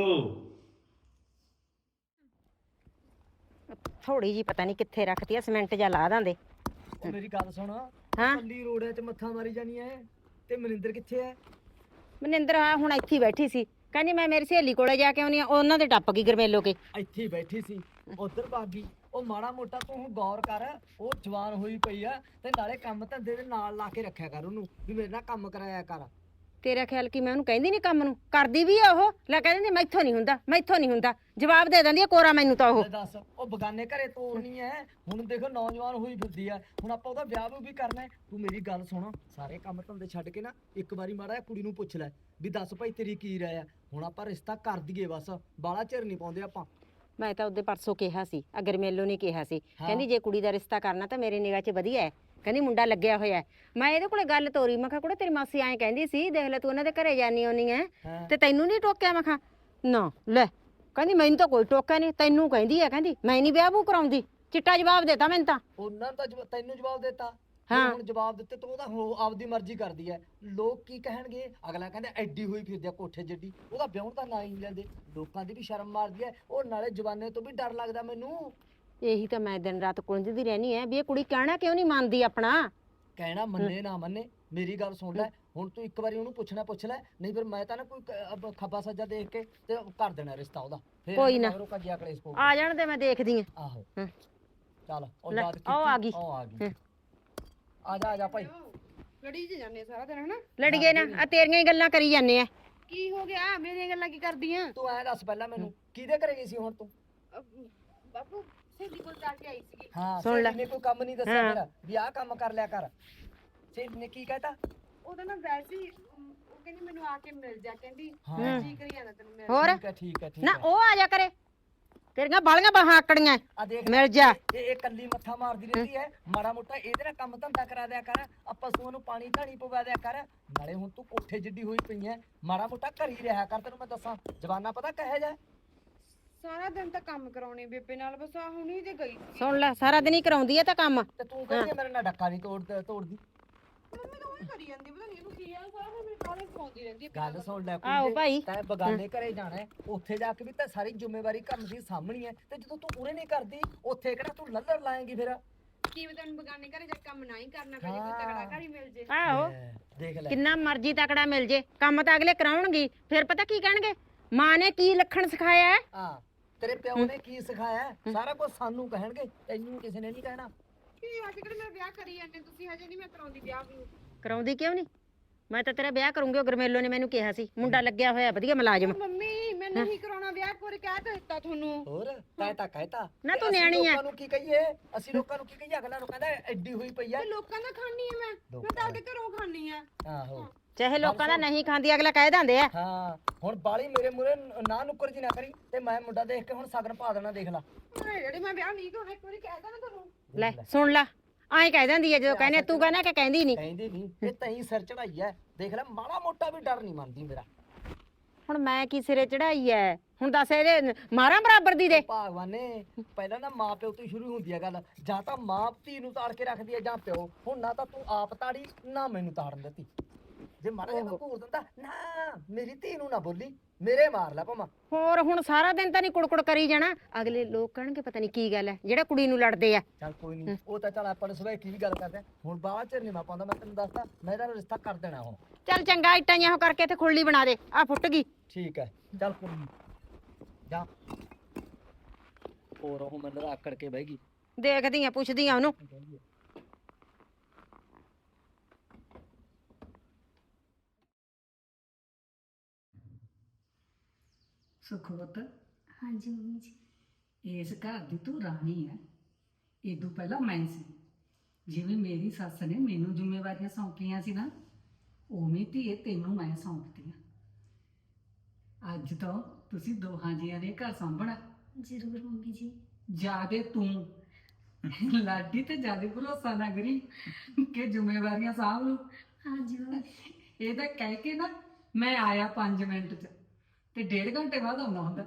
[SPEAKER 10] ਥੋੜੀ ਜੀ ਪਤਾ ਨਹੀਂ ਕਿੱਥੇ ਰੱਖਤੀ ਆ, ਸਿਮੈਂਟ ਜਾਂ ਲਾ ਦਾਂਦੇ।
[SPEAKER 11] ਮੇਰੀ ਗੱਲ ਸੁਣ,
[SPEAKER 10] ਹਾਂ
[SPEAKER 11] ਕੱਲੀ ਰੋੜਿਆਂ 'ਚ ਮੱਥਾ ਮਾਰੀ ਜਾਨੀ ਐ, ਤੇ ਮਨਿੰਦਰ ਕਿੱਥੇ ਐ?
[SPEAKER 10] ਮਨਿੰਦਰ ਆ ਹੁਣ ਇੱਥੇ ਹੀ ਬੈਠੀ ਸੀ, ਕਹਿੰਦੀ ਮੈਂ ਮੇਰੀ ਸਹੇਲੀ ਕੋਲੇ ਜਾ ਕੇ ਆਉਣੀ ਆ। ਉਹਨਾਂ ਦੇ ਟੱਪ ਗਈ ਗਰਮੇਲੋ ਕੇ।
[SPEAKER 11] ਇੱਥੇ ਹੀ ਬੈਠੀ ਸੀ, ਉਧਰ ਭਾਗੀ। ਉਹ ਮਾੜਾ ਮੋਟਾ ਤੂੰ ਗੌਰ ਕਰ, ਉਹ ਜਵਾਨ ਹੋਈ ਪਈ ਆ, ਤੇ ਨਾਲੇ ਕੰਮ ਧੰਦੇ ਦੇ ਨਾਲ ਲਾ ਕੇ ਰੱਖਿਆ ਕਰ ਉਹਨੂੰ, ਵੀ ਮੇਰੇ ਨਾਲ ਕੰਮ ਕਰਾਇਆ ਕਰ।
[SPEAKER 10] ਤੇਰਾ ਖਿਆਲ ਕੀ ਮੈਂ ਉਹਨੂੰ ਕਹਿੰਦੀ ਨਹੀਂ ਕੰਮ ਨੂੰ? ਕਰਦੀ ਵੀ ਆ ਉਹ। ਲੈ ਕਹਿੰਦੀ ਮੈਥੋਂ ਨਹੀਂ ਹੁੰਦਾ, ਮੈਥੋਂ ਨਹੀਂ ਹੁੰਦਾ, ਜਵਾਬ ਦੇ ਦਿੰਦੀ ਆ ਕੋਰਾ ਮੈਨੂੰ ਤਾਂ ਉਹ।
[SPEAKER 11] ਲੈ ਦੱਸ, ਉਹ ਬਗਾਨੇ ਘਰੇ ਤੋਰਨੀ ਐ। ਹੁਣ ਦੇਖੋ ਨੌਜਵਾਨ ਹੋਈ ਫਿਰਦੀ ਆ, ਹੁਣ ਆਪਾਂ ਉਹਦਾ ਵਿਆਹ ਵੀ ਕਰਨਾ ਹੈ। ਤੂੰ ਮੇਰੀ ਗੱਲ ਸੁਣ, ਸਾਰੇ ਕੰਮ ਧੰਦੇ ਛੱਡ ਕੇ ਨਾ ਇੱਕ ਵਾਰੀ ਮਾੜਾ ਜਿਹਾ ਕੁੜੀ ਨੂੰ ਪੁੱਛ ਲੈ ਵੀ ਦੱਸ ਭਾਈ ਤੇਰੀ ਕੀ ਰਾਏ ਆ। ਹੁਣ ਆਪਾਂ ਰਿਸ਼ਤਾ ਕਰ ਦਈਏ, ਬਸ ਬਾਲਾ ਚਿਰ ਨਹੀਂ ਪਾਉਂਦੇ ਆਪਾਂ।
[SPEAKER 10] ਮੈਂ ਤਾਂ ਉਹਦੇ ਪਰਸੋਂ ਕਿਹਾ ਸੀ, ਗਰਮੇਲੋ ਨੇ ਕਿਹਾ ਸੀ, ਕਹਿੰਦੀ ਜੇ ਕੁੜੀ ਦਾ ਰਿਸ਼ਤਾ ਕਰਨਾ ਤਾਂ ਮੇਰੇ ਨਿਗਾਹ 'ਚ ਵਧੀਆ ਹੈ, ਕਹਿੰਦੀ ਮੁੰਡਾ ਲੱਗਿਆ ਹੋਇਆ। ਮੈਂ ਇਹਦੇ ਕੋਲੇ ਗੱਲ ਤੋਰੀ, ਮੈਂ ਕਿਹਾ ਕੁੜੇ ਤੇਰੀ ਮਾਸੀ ਐਂ ਕਹਿੰਦੀ ਸੀ, ਦੇਖ ਲੈ ਤੂੰ ਉਹਨਾਂ ਦੇ ਘਰੇ ਜਾਨੀ ਆਉਣੀ ਐ ਤੇ ਤੈਨੂੰ ਨਹੀਂ ਟੋਕਿਆ? ਮੈਂ ਕਿਹਾ ਨਾ, ਲੈ ਕਹਿੰਦੀ ਮੈਨੂੰ ਤਾਂ ਕੋਈ ਟੋਕਿਆ ਨਹੀਂ, ਤੈਨੂੰ ਕਹਿੰਦੀ ਐ, ਕਹਿੰਦੀ ਮੈਂ ਨਹੀਂ ਵਿਆਹ ਵੂ ਕਰਾਉਂਦੀ। ਚਿੱਟਾ ਜਵਾਬ ਦੇਤਾ ਮੈਨੂੰ ਤਾਂ।
[SPEAKER 11] ਉਹਨਾਂ ਦਾ ਤੈਨੂੰ ਜਵਾਬ ਦੇਤਾ?
[SPEAKER 10] ਹਾਂ।
[SPEAKER 11] ਹੁਣ ਜਵਾਬ ਦਿੱਤੇ ਤੂੰ ਉਹਦਾ ਆਪਦੀ ਮਰਜ਼ੀ ਕਰਦੀ ਐ। ਲੋਕ ਕੀ ਕਹਿਣਗੇ? ਅਗਲਾ ਕਹਿੰਦਾ ਐਡੀ ਹੋਈ ਫਿਰਦੀ ਆ ਕੋਠੇ ਜੱਡੀ, ਉਹਦਾ ਵਿਆਹ ਤਾਂ ਨਾ ਹੀ ਨੀ ਲੈਂਦੇ। ਲੋਕਾਂ ਦੀ ਵੀ ਸ਼ਰਮ ਮਾਰਦੀ ਐ, ਉਹ ਨਾਲੇ ਜਵਾਨੇ ਤੋਂ ਵੀ ਡਰ ਲੱਗਦਾ ਮੈਨੂੰ।
[SPEAKER 10] ਇਹੀ ਤਾਂ ਮੈਂ ਦਿਨ ਰਾਤ ਕੁੰਝਦੀ ਰਹਿਣੀ ਐ ਵੀ ਇਹ ਕੁੜੀ ਕਹਿਣਾ ਕਿਉਂ ਨਹੀਂ ਮੰਨਦੀ ਆਪਣਾ।
[SPEAKER 11] ਕਹਿਣਾ ਮੰਨੇ ਨਾ ਮੰਨੇ, ਮੇਰੀ ਗੱਲ ਸੁਣ ਲੈ। ਹੁਣ ਤੂੰ ਇੱਕ ਵਾਰੀ ਉਹਨੂੰ ਪੁੱਛ ਲੈ, ਨਹੀਂ ਫਿਰ ਮੈਂ ਤਾਂ ਨਾ ਕੋਈ ਖੱਬਾ ਸੱਜਾ ਦੇਖ ਕੇ ਤੇ ਕਰ ਦੇਣਾ ਰਿਸ਼ਤਾ ਉਹਦਾ। ਫਿਰ
[SPEAKER 10] ਕੋਈ ਨਾ।
[SPEAKER 11] ਕੱਜਿਆ ਕਲੇਸ਼ ਪਊ।
[SPEAKER 10] ਆ ਜਾਣ ਦੇ, ਮੈਂ ਦੇਖਦੀ ਆ।
[SPEAKER 11] ਆਹੋ
[SPEAKER 10] ਹੂੰ।
[SPEAKER 11] ਚੱਲ ਉਹ
[SPEAKER 10] ਲੈ,
[SPEAKER 11] ਯਾਦ ਕੀਤੀ।
[SPEAKER 10] ਉਹ ਆ ਗਈ।
[SPEAKER 11] ਉਹ ਆ ਗਈ।
[SPEAKER 10] ਹੂੰ।
[SPEAKER 11] ਆ ਜਾ ਭਾਈ।
[SPEAKER 4] ਲੜੀ ਚ ਜਾਂਦੇ ਸਾਰਾ ਦਿਨ ਹਨਾ।
[SPEAKER 10] ਲੜੀਏ ਨਾ, ਆ ਤੇਰੀਆਂ ਹੀ ਗੱਲਾਂ ਕਰੀ ਜਾਂਦੇ ਆ।
[SPEAKER 4] ਕੀ ਹੋ ਗਿਆ? ਮੇਰੀਆਂ ਗੱਲਾਂ ਕੀ ਕਰਦੀਆਂ?
[SPEAKER 11] ਤੂੰ ਐ ਦੱਸ ਪਹਿਲਾਂ ਮੈਨੂੰ, ਕਿਹਦੇ ਘਰੇ ਗਈ ਸੀ ਹੁਣ ਤੂੰ?
[SPEAKER 4] ਬਾਪੂ ਸਹੇਲੀ ਕੋਲ ਜਾ ਕੇ ਆਈ ਸੀਗੀ।
[SPEAKER 11] ਹਾਂ,
[SPEAKER 10] ਸੁਣ ਲੈ।
[SPEAKER 11] ਸਹੇਲੀ ਨੇ ਕੋਈ ਕੰਮ ਨਹੀਂ ਦੱਸਿਆ
[SPEAKER 10] ਹਾਂ।
[SPEAKER 11] ਮੇਰਾ ਵੀ ਆਹ ਕੰਮ ਕਰ ਲਿਆ ਕਰ। ਸਹੇਲੀ ਨੇ ਕੀ ਕਹਿਤਾ?
[SPEAKER 4] ਉਹਦਾ ਨਾ ਵੈਸੇ ਹੀ ਉਹ ਕਹਿੰਦੀ ਮੈਨੂੰ ਆ ਕੇ ਮਿਲ ਜਾ, ਕਹਿੰਦੀ
[SPEAKER 11] ਹਾਂ।
[SPEAKER 4] ਜੀ ਕਰੀ ਜਾਂਦਾ ਤੈਨੂੰ ਮਿਲ।
[SPEAKER 10] ਹੋਰ
[SPEAKER 11] ਠੀਕ ਹੈ
[SPEAKER 10] ਨਾ, ਉਹ ਆ ਜਾ ਕਰੇ। ਤੇਰੀਆਂ ਬਾਲੀਆਂ ਬਾਹਾਂ ਆਕੜੀਆਂ।
[SPEAKER 11] ਆ ਦੇਖ
[SPEAKER 10] ਮਿਲ ਜਾ।
[SPEAKER 11] ਇਹ ਕੱਲੀ ਮੱਥਾ ਮਾਰਦੀ ਰਹਿੰਦੀ ਹੈ। ਮਾੜਾ ਮੋਟਾ ਇਹਦੇ ਨਾਲ ਕੰਮ ਧੰਦਾ ਕਰਾ ਦਿਆ ਕਰ। ਆ ਪਸ਼ੂਆਂ ਨੂੰ ਪਾਣੀ ਧਾਣੀ ਪਵਾ ਦਿਆ ਕਰ। ਨਾਲੇ ਹੁਣ ਤੂੰ ਕੋਠੇ ਜਿੱਡੀ ਹੋਈ ਪਈ ਐ, ਮਾੜਾ ਮੋਟਾ ਘਰ ਹੀ ਰਿਹਾ ਕਰ। ਤੈਨੂੰ ਮੈਂ ਦੱਸਾਂ ਜਵਾਨਾ ਪਤਾ ਕਹੇ ਜਾ।
[SPEAKER 4] ਸਾਰਾ ਦਿਨ ਤਾਂ ਕੰਮ ਕਰਾਉਣੀ ਬੇਬੇ ਨਾਲ, ਬਸ ਆ ਹੁਣੀ ਤੇ ਗਈ ਸੀ।
[SPEAKER 10] ਸੁਣ ਲੈ, ਸਾਰਾ ਦਿਨ ਹੀ ਕਰਾਉਂਦੀ ਐ ਤਾਂ ਕੰਮ।
[SPEAKER 11] ਤੇ ਤੂੰ ਕਹਿੰਦੀ ਮੇਰੇ ਨਾਲ ਡੱਕਾ ਨਹੀਂ ਤੋੜਦੀ।
[SPEAKER 4] ਮੰਮੀ ਤਾਂ ਉਹੀ ਕਰੀ ਜਾਂਦੀ, ਪਤਾ ਨਹੀਂ ਇਹਨੂੰ ਕੀ ਆ, ਸਾਰਾ ਦਿਨ ਮੇਰੇ ਕਾਲੇ ਪਾਉਂਦੀ ਰਹਿੰਦੀ ਹੈ।
[SPEAKER 11] ਗੱਲ ਸੁਣ ਲੈ
[SPEAKER 10] ਆਹੋ
[SPEAKER 11] ਕੁੜੀਏ,
[SPEAKER 10] ਭਾਈ।
[SPEAKER 11] ਤੈਂ ਬਗਾਨੇ ਘਰੇ ਜਾਣਾ ਹੈ, ਉੱਥੇ ਜਾ ਕੇ ਵੀ ਤਾਂ ਸਾਰੀ ਜ਼ਿੰਮੇਵਾਰੀ ਕੰਮ ਦੀ ਸਾਹਮਣੀ ਹੈ। ਤੇ ਜਦੋਂ ਤੂੰ ਪੂਰੇ ਨਹੀਂ ਕਰਦੀ, ਉੱਥੇ ਕਿਹੜਾ ਤੂੰ ਲੱਲਰ ਲਾਏਂਗੀ ਫਿਰ?
[SPEAKER 4] ਕੀ ਪਤਾ ਤੈਨੂੰ ਬਗਾਨੇ ਘਰੇ ਜਾ ਕੰਮ ਨਾ ਹੀ ਕਰਨਾ ਪਏ, ਕੋਈ ਤਗੜਾ ਘਰ ਹੀ ਮਿਲ ਜੇ।
[SPEAKER 10] ਆਹੋ,
[SPEAKER 11] ਦੇਖ ਲੈ।
[SPEAKER 10] ਕਿੰਨਾ ਮਰਜ਼ੀ ਤਕੜਾ ਮਿਲ ਜੇ, ਕੰਮ ਤਾਂ ਅਗਲੇ ਕਰਾਉਣਗੇ। ਫਿਰ ਪਤਾ ਕੀ ਕਹਿਣਗੇ? ਮਾਂ ਨੇ ਕੀ ਲੱਖਣ ਸਿਖਾਇਆ ਹੈ?
[SPEAKER 11] ਹਾਂ, ਤੇਰੇ ਪਿਓ ਨੇ ਕੀ ਸਿਖਾਇਆ ਹੈ? ਸਾਰਾ ਕੁਝ ਸਾਨੂੰ ਕਹਿਣਗੇ, ਤੈਨੂੰ ਕਿਸੇ ਨੇ ਨਹੀਂ ਕਹਿਣਾ।
[SPEAKER 4] ਕੀ ਅੱਜ ਕੱਲ੍ਹ ਮੈਂ ਵਿਆਹ ਕਰੀ ਜਾਂਦੇ, ਤੁਸੀਂ ਹਜੇ ਨਹੀਂ ਮੈਂ ਕਰਾਉਂਦੀ ਵਿਆਹ ਵੀ।
[SPEAKER 10] ਕਰਾਉਂਦੀ ਕਿਉਂ ਨਹੀਂ? ਮੈਂ ਤਾਂ ਤੇਰਾ ਵਿਆਹ ਕਰੂੰਗੀ। ਉਹ ਗਰਮੇਲੋ ਨੇ ਮੈਨੂੰ ਕਿਹਾ ਸੀ, ਮੁੰਡਾ ਲੱਗਿਆ ਹੋਇਆ ਵਧੀਆ ਮੁਲਾਜ਼ਮ।
[SPEAKER 4] ਮੰਮੀ ਮੈਂ ਨਹੀਂ ਕਰਾਉਣਾ ਵਿਆਹ, ਕੋਈ ਕਹਿ ਤਾਂ ਦਿੱਤਾ ਤੁਹਾਨੂੰ।
[SPEAKER 11] ਹੋਰ ਤੈਂ ਤਾਂ ਕਹਿਤਾ।
[SPEAKER 10] ਨਾ
[SPEAKER 11] ਤੇ
[SPEAKER 10] ਤੂੰ
[SPEAKER 11] ਅਸੀਂ
[SPEAKER 10] ਨਿਆਣੀ ਐ।
[SPEAKER 11] ਲੋਕਾਂ ਨੂੰ ਕੀ ਕਹੀਏ? ਅਸੀਂ ਲੋਕਾਂ ਨੂੰ ਕੀ ਕਹੀਏ? ਅਗਲਾ ਨੂੰ ਕਹਿੰਦਾ ਐਡੀ ਹੋਈ ਪਈ ਆ।
[SPEAKER 4] ਤੇ ਲੋਕਾਂ ਦਾ ਖਾਣੀ ਹੈ ਮੈਂ ਤਾਂ ਆਪਦੇ ਘਰੋਂ ਖਾਣੀ ਆ।
[SPEAKER 11] ਆਹੋ,
[SPEAKER 10] ਚਾਹੇ ਲੋਕਾਂ ਦਾ ਨਹੀਂ ਖਾਂਦੀ, ਅਗਲਾ ਕਹਿ ਦਿੰਦੇ ਆ।
[SPEAKER 11] ਹਾਂ। ਹੁਣ ਬਾਲੀ ਮੇਰੇ ਮੂਰੇ ਨਾ ਨੁੱਕਰ ਜੀ ਨਾ ਕਰੀ, ਤੇ ਮੈਂ ਮੁੰਡਾ ਦੇਖ ਕੇ ਹੁਣ ਸਗਨ ਪਾ ਦੇਣਾ। ਦੇਖ ਲਾ
[SPEAKER 4] ਜਿਹੜੇ ਮੈਂ ਵਿਆਹ ਨਹੀਂ ਕਰਾਉਣਾ, ਇੱਕ ਵਾਰੀ ਕਹਿ ਤਾ ਨਾ ਤੁਹਾਨੂੰ।
[SPEAKER 10] ਲੈ ਸੁਣ ਲੈ, ਐਂ ਕਹਿ ਦਿੰਦੀ ਐ ਜਦੋਂ ਕਹਿੰਦੇ ਤੂੰ ਕਹਿੰਦਾ ਕਿ ਕਹਿੰਦੀ ਨਹੀਂ।
[SPEAKER 11] ਕਹਿੰਦੀ ਨਹੀਂ, ਇਹ ਤੈਂ ਸਿਰ ਚੜਾਈ ਐ। ਦੇਖ ਲੈ ਮਾੜਾ ਮੋਟਾ ਵੀ ਡਰ ਨਹੀਂ ਮੰਨਦੀ ਮੇਰਾ।
[SPEAKER 10] ਹੁਣ ਮੈਂ ਕੀ ਸਿਰੇ ਚੜਾਈ ਐ? ਹੁਣ ਦੱਸ ਇਹਦੇ ਮਾਰਾਂ ਬਰਾਬਰ ਦੀ ਦੇ।
[SPEAKER 11] ਭਗਵਾਨ ਨੇ ਪਹਿਲਾਂ ਨਾ ਮਾਂ ਪਿਓ ਤੋਂ ਹੀ ਸ਼ੁਰੂ ਹੁੰਦੀ ਹੈ ਗੱਲ। ਜਾਂ ਤਾਂ ਮਾਂ ਧੀ ਨੂੰ ਤਾੜ ਕੇ ਰੱਖਦੀ ਹੈ, ਜਾਂ ਪਿਓ। ਹੁਣ ਨਾ ਤਾਂ ਤੂੰ ਆਪ ਤਾੜੀ, ਨਾ ਮੈਨੂੰ ਤਾੜਨ ਦਿੱਤੀ। ਜੇ ਮਾੜਾ ਜਿਹਾ ਘੂਰ ਦਿੰਦਾ ਨਾ, ਮੇਰੀ ਧੀ ਨੂੰ ਨਾ ਬੋਲੀ, ਮੇਰੇ ਮਾਰ ਲੈ ਭਾਵਾਂ।
[SPEAKER 10] ਹੋਰ ਹੁਣ ਸਾਰਾ ਦਿਨ ਤਾਂ ਨਹੀਂ ਕੁੜਕੁੜ ਕਰੀ ਜਾਣਾ। ਅਗਲੇ ਲੋਕ ਕਹਿਣਗੇ ਪਤਾ ਨਹੀਂ ਕੀ ਗੱਲ ਐ, ਜਿਹੜਾ ਕੁੜੀ ਨੂੰ ਲੜਦੇ ਆ।
[SPEAKER 11] ਚੱਲ ਕੋਈ ਨਹੀਂ, ਉਹ ਤਾਂ ਚੱਲ ਆਪਾਂ ਨੇ ਸਵੇਰ ਕੀ ਵੀ ਗੱਲ ਕਰਦੇ ਆ। ਹੁਣ ਬਾਅਦ ਚ ਨਹੀਂ ਮੈਂ ਪਾਉਂਦਾ, ਮੈਂ ਤੈਨੂੰ ਦੱਸਦਾ ਮੈਂ ਇਹਦਾ ਰਿਸ਼ਤਾ ਕਰ ਦੇਣਾ ਹੁਣ।
[SPEAKER 10] ਚੱਲ ਚੰਗਾ, ਇੱਟਾਂ ਜਿਹਾ ਉਹ ਕਰਕੇ ਤੇ ਖੁਰਲੀ ਬਣਾ ਦੇ। ਆ ਫੁੱਟ ਗਈ।
[SPEAKER 11] ਠੀਕ ਹੈ, ਚੱਲ ਕੋਈ ਨੀ। ਜਾ ਹੋਰ ਉਹ ਮੈਨੂੰ ਆਕੜ ਕੇ ਬਹਿ ਗਈ।
[SPEAKER 10] ਦੇਖਦੀ ਆ, ਪੁੱਛਦੀ ਆ ਉਹਨੂੰ।
[SPEAKER 9] ਸੁਖਵਤ,
[SPEAKER 5] ਹਾਂਜੀ ਮੰਮੀ ਜੀ।
[SPEAKER 9] ਇਸ ਘਰ ਦੀ ਤੂੰ ਰਾਣੀ ਹੈ। ਇਦੋਂ ਪਹਿਲਾਂ ਮੈਂ ਸੀ। ਜਿਵੇਂ ਮੇਰੀ ਸੱਸ ਨੇ ਮੈਨੂੰ ਜ਼ਿੰਮੇਵਾਰੀਆਂ ਸੌਂਪੀਆਂ ਸੀ ਨਾ, ਉਵੇਂ ਧੀਏ ਤੈਨੂੰ ਮੈਂ ਸੌਂਪਦੀ ਆ। ਅੱਜ ਤੋਂ ਤੁਸੀਂ ਦੋਹਾਂ ਜੀਆਂ ਨੇ ਘਰ ਸਾਂਭਣਾ।
[SPEAKER 5] ਜ਼ਰੂਰ ਮੰਮੀ ਜੀ।
[SPEAKER 9] ਜਾਦੇ ਤੂੰ ਲਾਡੀ ਤੇ ਜਾਦੇ ਭਰੋਸਾ ਨਾ ਕਰੀ ਕਿ ਜ਼ਿੰਮੇਵਾਰੀਆਂ ਸਾਂਭ ਲੂ।
[SPEAKER 5] ਹਾਂਜੀ ਮੰਮੀ।
[SPEAKER 9] ਇਹ ਤਾਂ ਕਹਿ ਕੇ ਨਾ ਮੈਂ ਆਇਆ 5 ਮਿੰਟ ਚ ਤੇ 1.5 ਘੰਟੇ ਬਾਅਦ ਆਉਣਾ ਹੁੰਦਾ।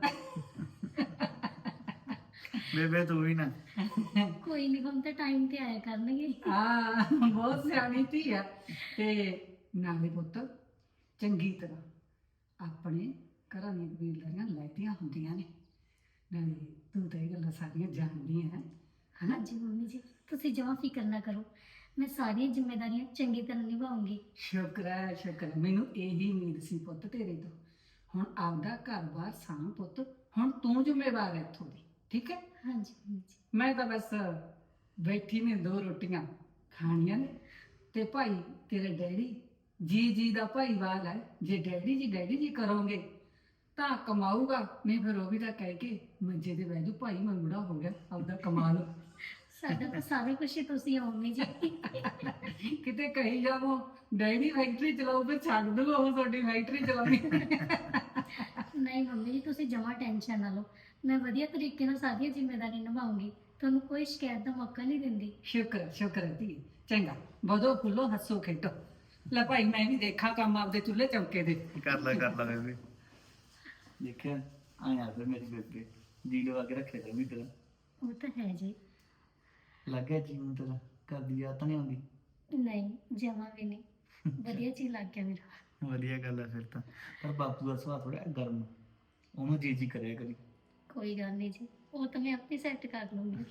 [SPEAKER 7] ਬੇਬੇ ਤੂੰ ਵੀ ਨਾ।
[SPEAKER 5] ਕੋਈ ਨਹੀਂ, ਹੁਣ ਤਾਂ ਟਾਈਮ ਤੇ ਆਇਆ ਕਰਨਗੇ।
[SPEAKER 9] ਹਾਂ, ਬਹੁਤ ਸਿਆਣੀ ਧੀ ਆ। ਤੇ ਨਾਲੇ ਪੁੱਤ ਚੰਗੀ ਤਰ੍ਹਾਂ ਆਪਣੇ ਘਰਾਂ ਦੀਆਂ ਕਬੀਲਦਾਰੀਆਂ ਲੈਤੀਆਂ ਹੁੰਦੀਆਂ ਨੇ। ਨਾਲੇ ਤੂੰ ਤਾਂ ਇਹ ਗੱਲਾਂ ਸਾਰੀਆਂ ਜਾਣਦੀ ਹੈ।
[SPEAKER 5] ਹਾਂਜੀ ਮੰਮੀ ਜੀ, ਤੁਸੀਂ ਜਮਾਂ ਫਿਕਰ ਨਾ ਕਰੋ, ਮੈਂ ਸਾਰੀਆਂ ਜ਼ਿੰਮੇਵਾਰੀਆਂ ਚੰਗੀ ਤਰ੍ਹਾਂ ਨਿਭਾਉਂਗੀ।
[SPEAKER 9] ਸ਼ੁਕਰ ਹੈ, ਸ਼ੁਕਰ ਹੈ। ਮੈਨੂੰ ਇਹੀ ਉਮੀਦ ਸੀ ਪੁੱਤ ਤੇਰੇ ਤੋਂ। ਹੁਣ ਆਪਦਾ ਘਰ-ਬਾਰ ਸਾਂਭ ਪੁੱਤ। ਹੁਣ ਤੂੰ ਜ਼ਿੰਮੇਵਾਰ ਹੈ ਇੱਥੋਂ ਦੀ, ਠੀਕ ਹੈ?
[SPEAKER 5] ਹਾਂਜੀ ਮੰਮੀ ਜੀ।
[SPEAKER 9] ਮੈਂ ਤਾਂ ਬਸ ਬੈਠੀ ਨੇ 2 ਰੋਟੀਆਂ ਖਾਣੀਆਂ ਨੇ। ਤੇ ਭਾਈ ਤੇਰੇ ਡੈਡੀ ਜੀ ਦਾ ਭਾਈਵਾਲ ਹੈ। ਜੇ ਡੈਡੀ ਜੀ ਕਰੋਗੇ ਤਾਂ ਕਮਾਊਗਾ, ਨਹੀਂ ਫਿਰ ਉਹ ਵੀ ਤਾਂ ਕਹਿ ਕੇ ਮੰਜੇ ਤੇ ਬਹਿ ਜੂ, ਭਾਈ ਮੈਂ ਬੁੜਾ ਹੋ ਗਿਆ, ਆਪਦਾ ਕਮਾ ਲਓ।
[SPEAKER 5] ਸਾਡਾ ਤਾਂ ਸਾਰਾ ਕੁਝ ਹੀ ਤੁਸੀਂ ਹੋ ਮੰਮੀ ਜੀ।
[SPEAKER 9] ਕਿਤੇ ਕਹੀ ਜਾਵੋ ਡੈਡੀ ਫੈਕਟਰੀ ਚਲਾਓ, ਫਿਰ ਛੱਡ ਦੂਗਾ ਉਹ ਤੁਹਾਡੀ ਫੈਕਟਰੀ ਚਲਾਉਣੀ।
[SPEAKER 5] ਨਹੀਂ ਮੰਮੀ ਜੀ, ਤੁਸੀਂ ਜਮਾਂ ਟੈਨਸ਼ਨ ਨਾ ਲਓ, ਮੈਂ ਵਧੀਆ ਤਰੀਕੇ ਨਾਲ ਸਾਰੀਆਂ ਜ਼ਿੰਮੇਵਾਰੀਆਂ ਨਿਭਾਉਂਗੀ, ਤੁਹਾਨੂੰ ਕੋਈ ਸ਼ਿਕਾਇਤ ਦਾ ਮੌਕਾ ਨਹੀਂ ਦਿੰਦੀ।
[SPEAKER 9] ਸ਼ੁਕਰ ਹੈ ਧੀ। ਚੰਗਾ, ਵਧੋ ਫੁੱਲੋ, ਹੱਸੋ ਖੇਡੋ। ਲੈ ਭਾਈ ਮੈਂ ਵੀ ਦੇਖਾਂ ਕੰਮ ਆਪਦੇ ਚੁੱਲ੍ਹੇ ਚੌਕੇ ਦੇ।
[SPEAKER 7] ਕਰ ਲੈ ਬੇਬੇ। ਦੇਖਿਆ ਆਇਆ ਫਿਰ ਮੇਰੀ ਬੇਬੇ ਜੀ ਲਵਾ ਕੇ ਰੱਖਿਆ ਕਰ ਵੀ ਤੇਰਾ।
[SPEAKER 5] ਉਹ ਤਾਂ ਹੈ ਜੀ।
[SPEAKER 7] ਲੱਗਿਆ ਜੀਵਨ ਤੇਰਾ, ਕਰਦੀ ਯਾਦ ਤਾਂ ਨਹੀਂ ਆਉਂਦੀ?
[SPEAKER 5] ਨਹੀਂ ਜਮਾ ਵੀ ਨਹੀਂ ਵਧੀਆ ਚੀਜ਼ ਲੱਗ ਗਿਆ ਮੇਰਾ।
[SPEAKER 7] ਵਧੀਆ ਗੱਲ ਹੈ ਫਿਰ ਤਾਂ। ਪਰ ਬਾਪੂ ਦਾ ਸੁਭਾਅ ਥੋੜਾ ਗਰਮ, ਉਹਨੂੰ ਜੀ ਕਰਿਆ ਕਰੀ।
[SPEAKER 5] ਕੋਈ ਗੱਲ ਨਹੀਂ ਜੀ, ਉਹ ਤਾਂ ਮੈਂ ਆਪੇ ਸੈੱਟ ਕਰ ਲੂੰਗੀ।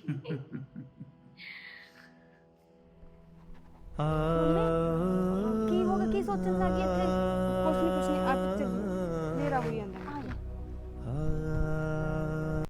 [SPEAKER 3] ਕੀ ਹੋ ਗਿਆ, ਕੀ ਸੋਚਣ ਲੱਗੀ ਇੱਥੇ?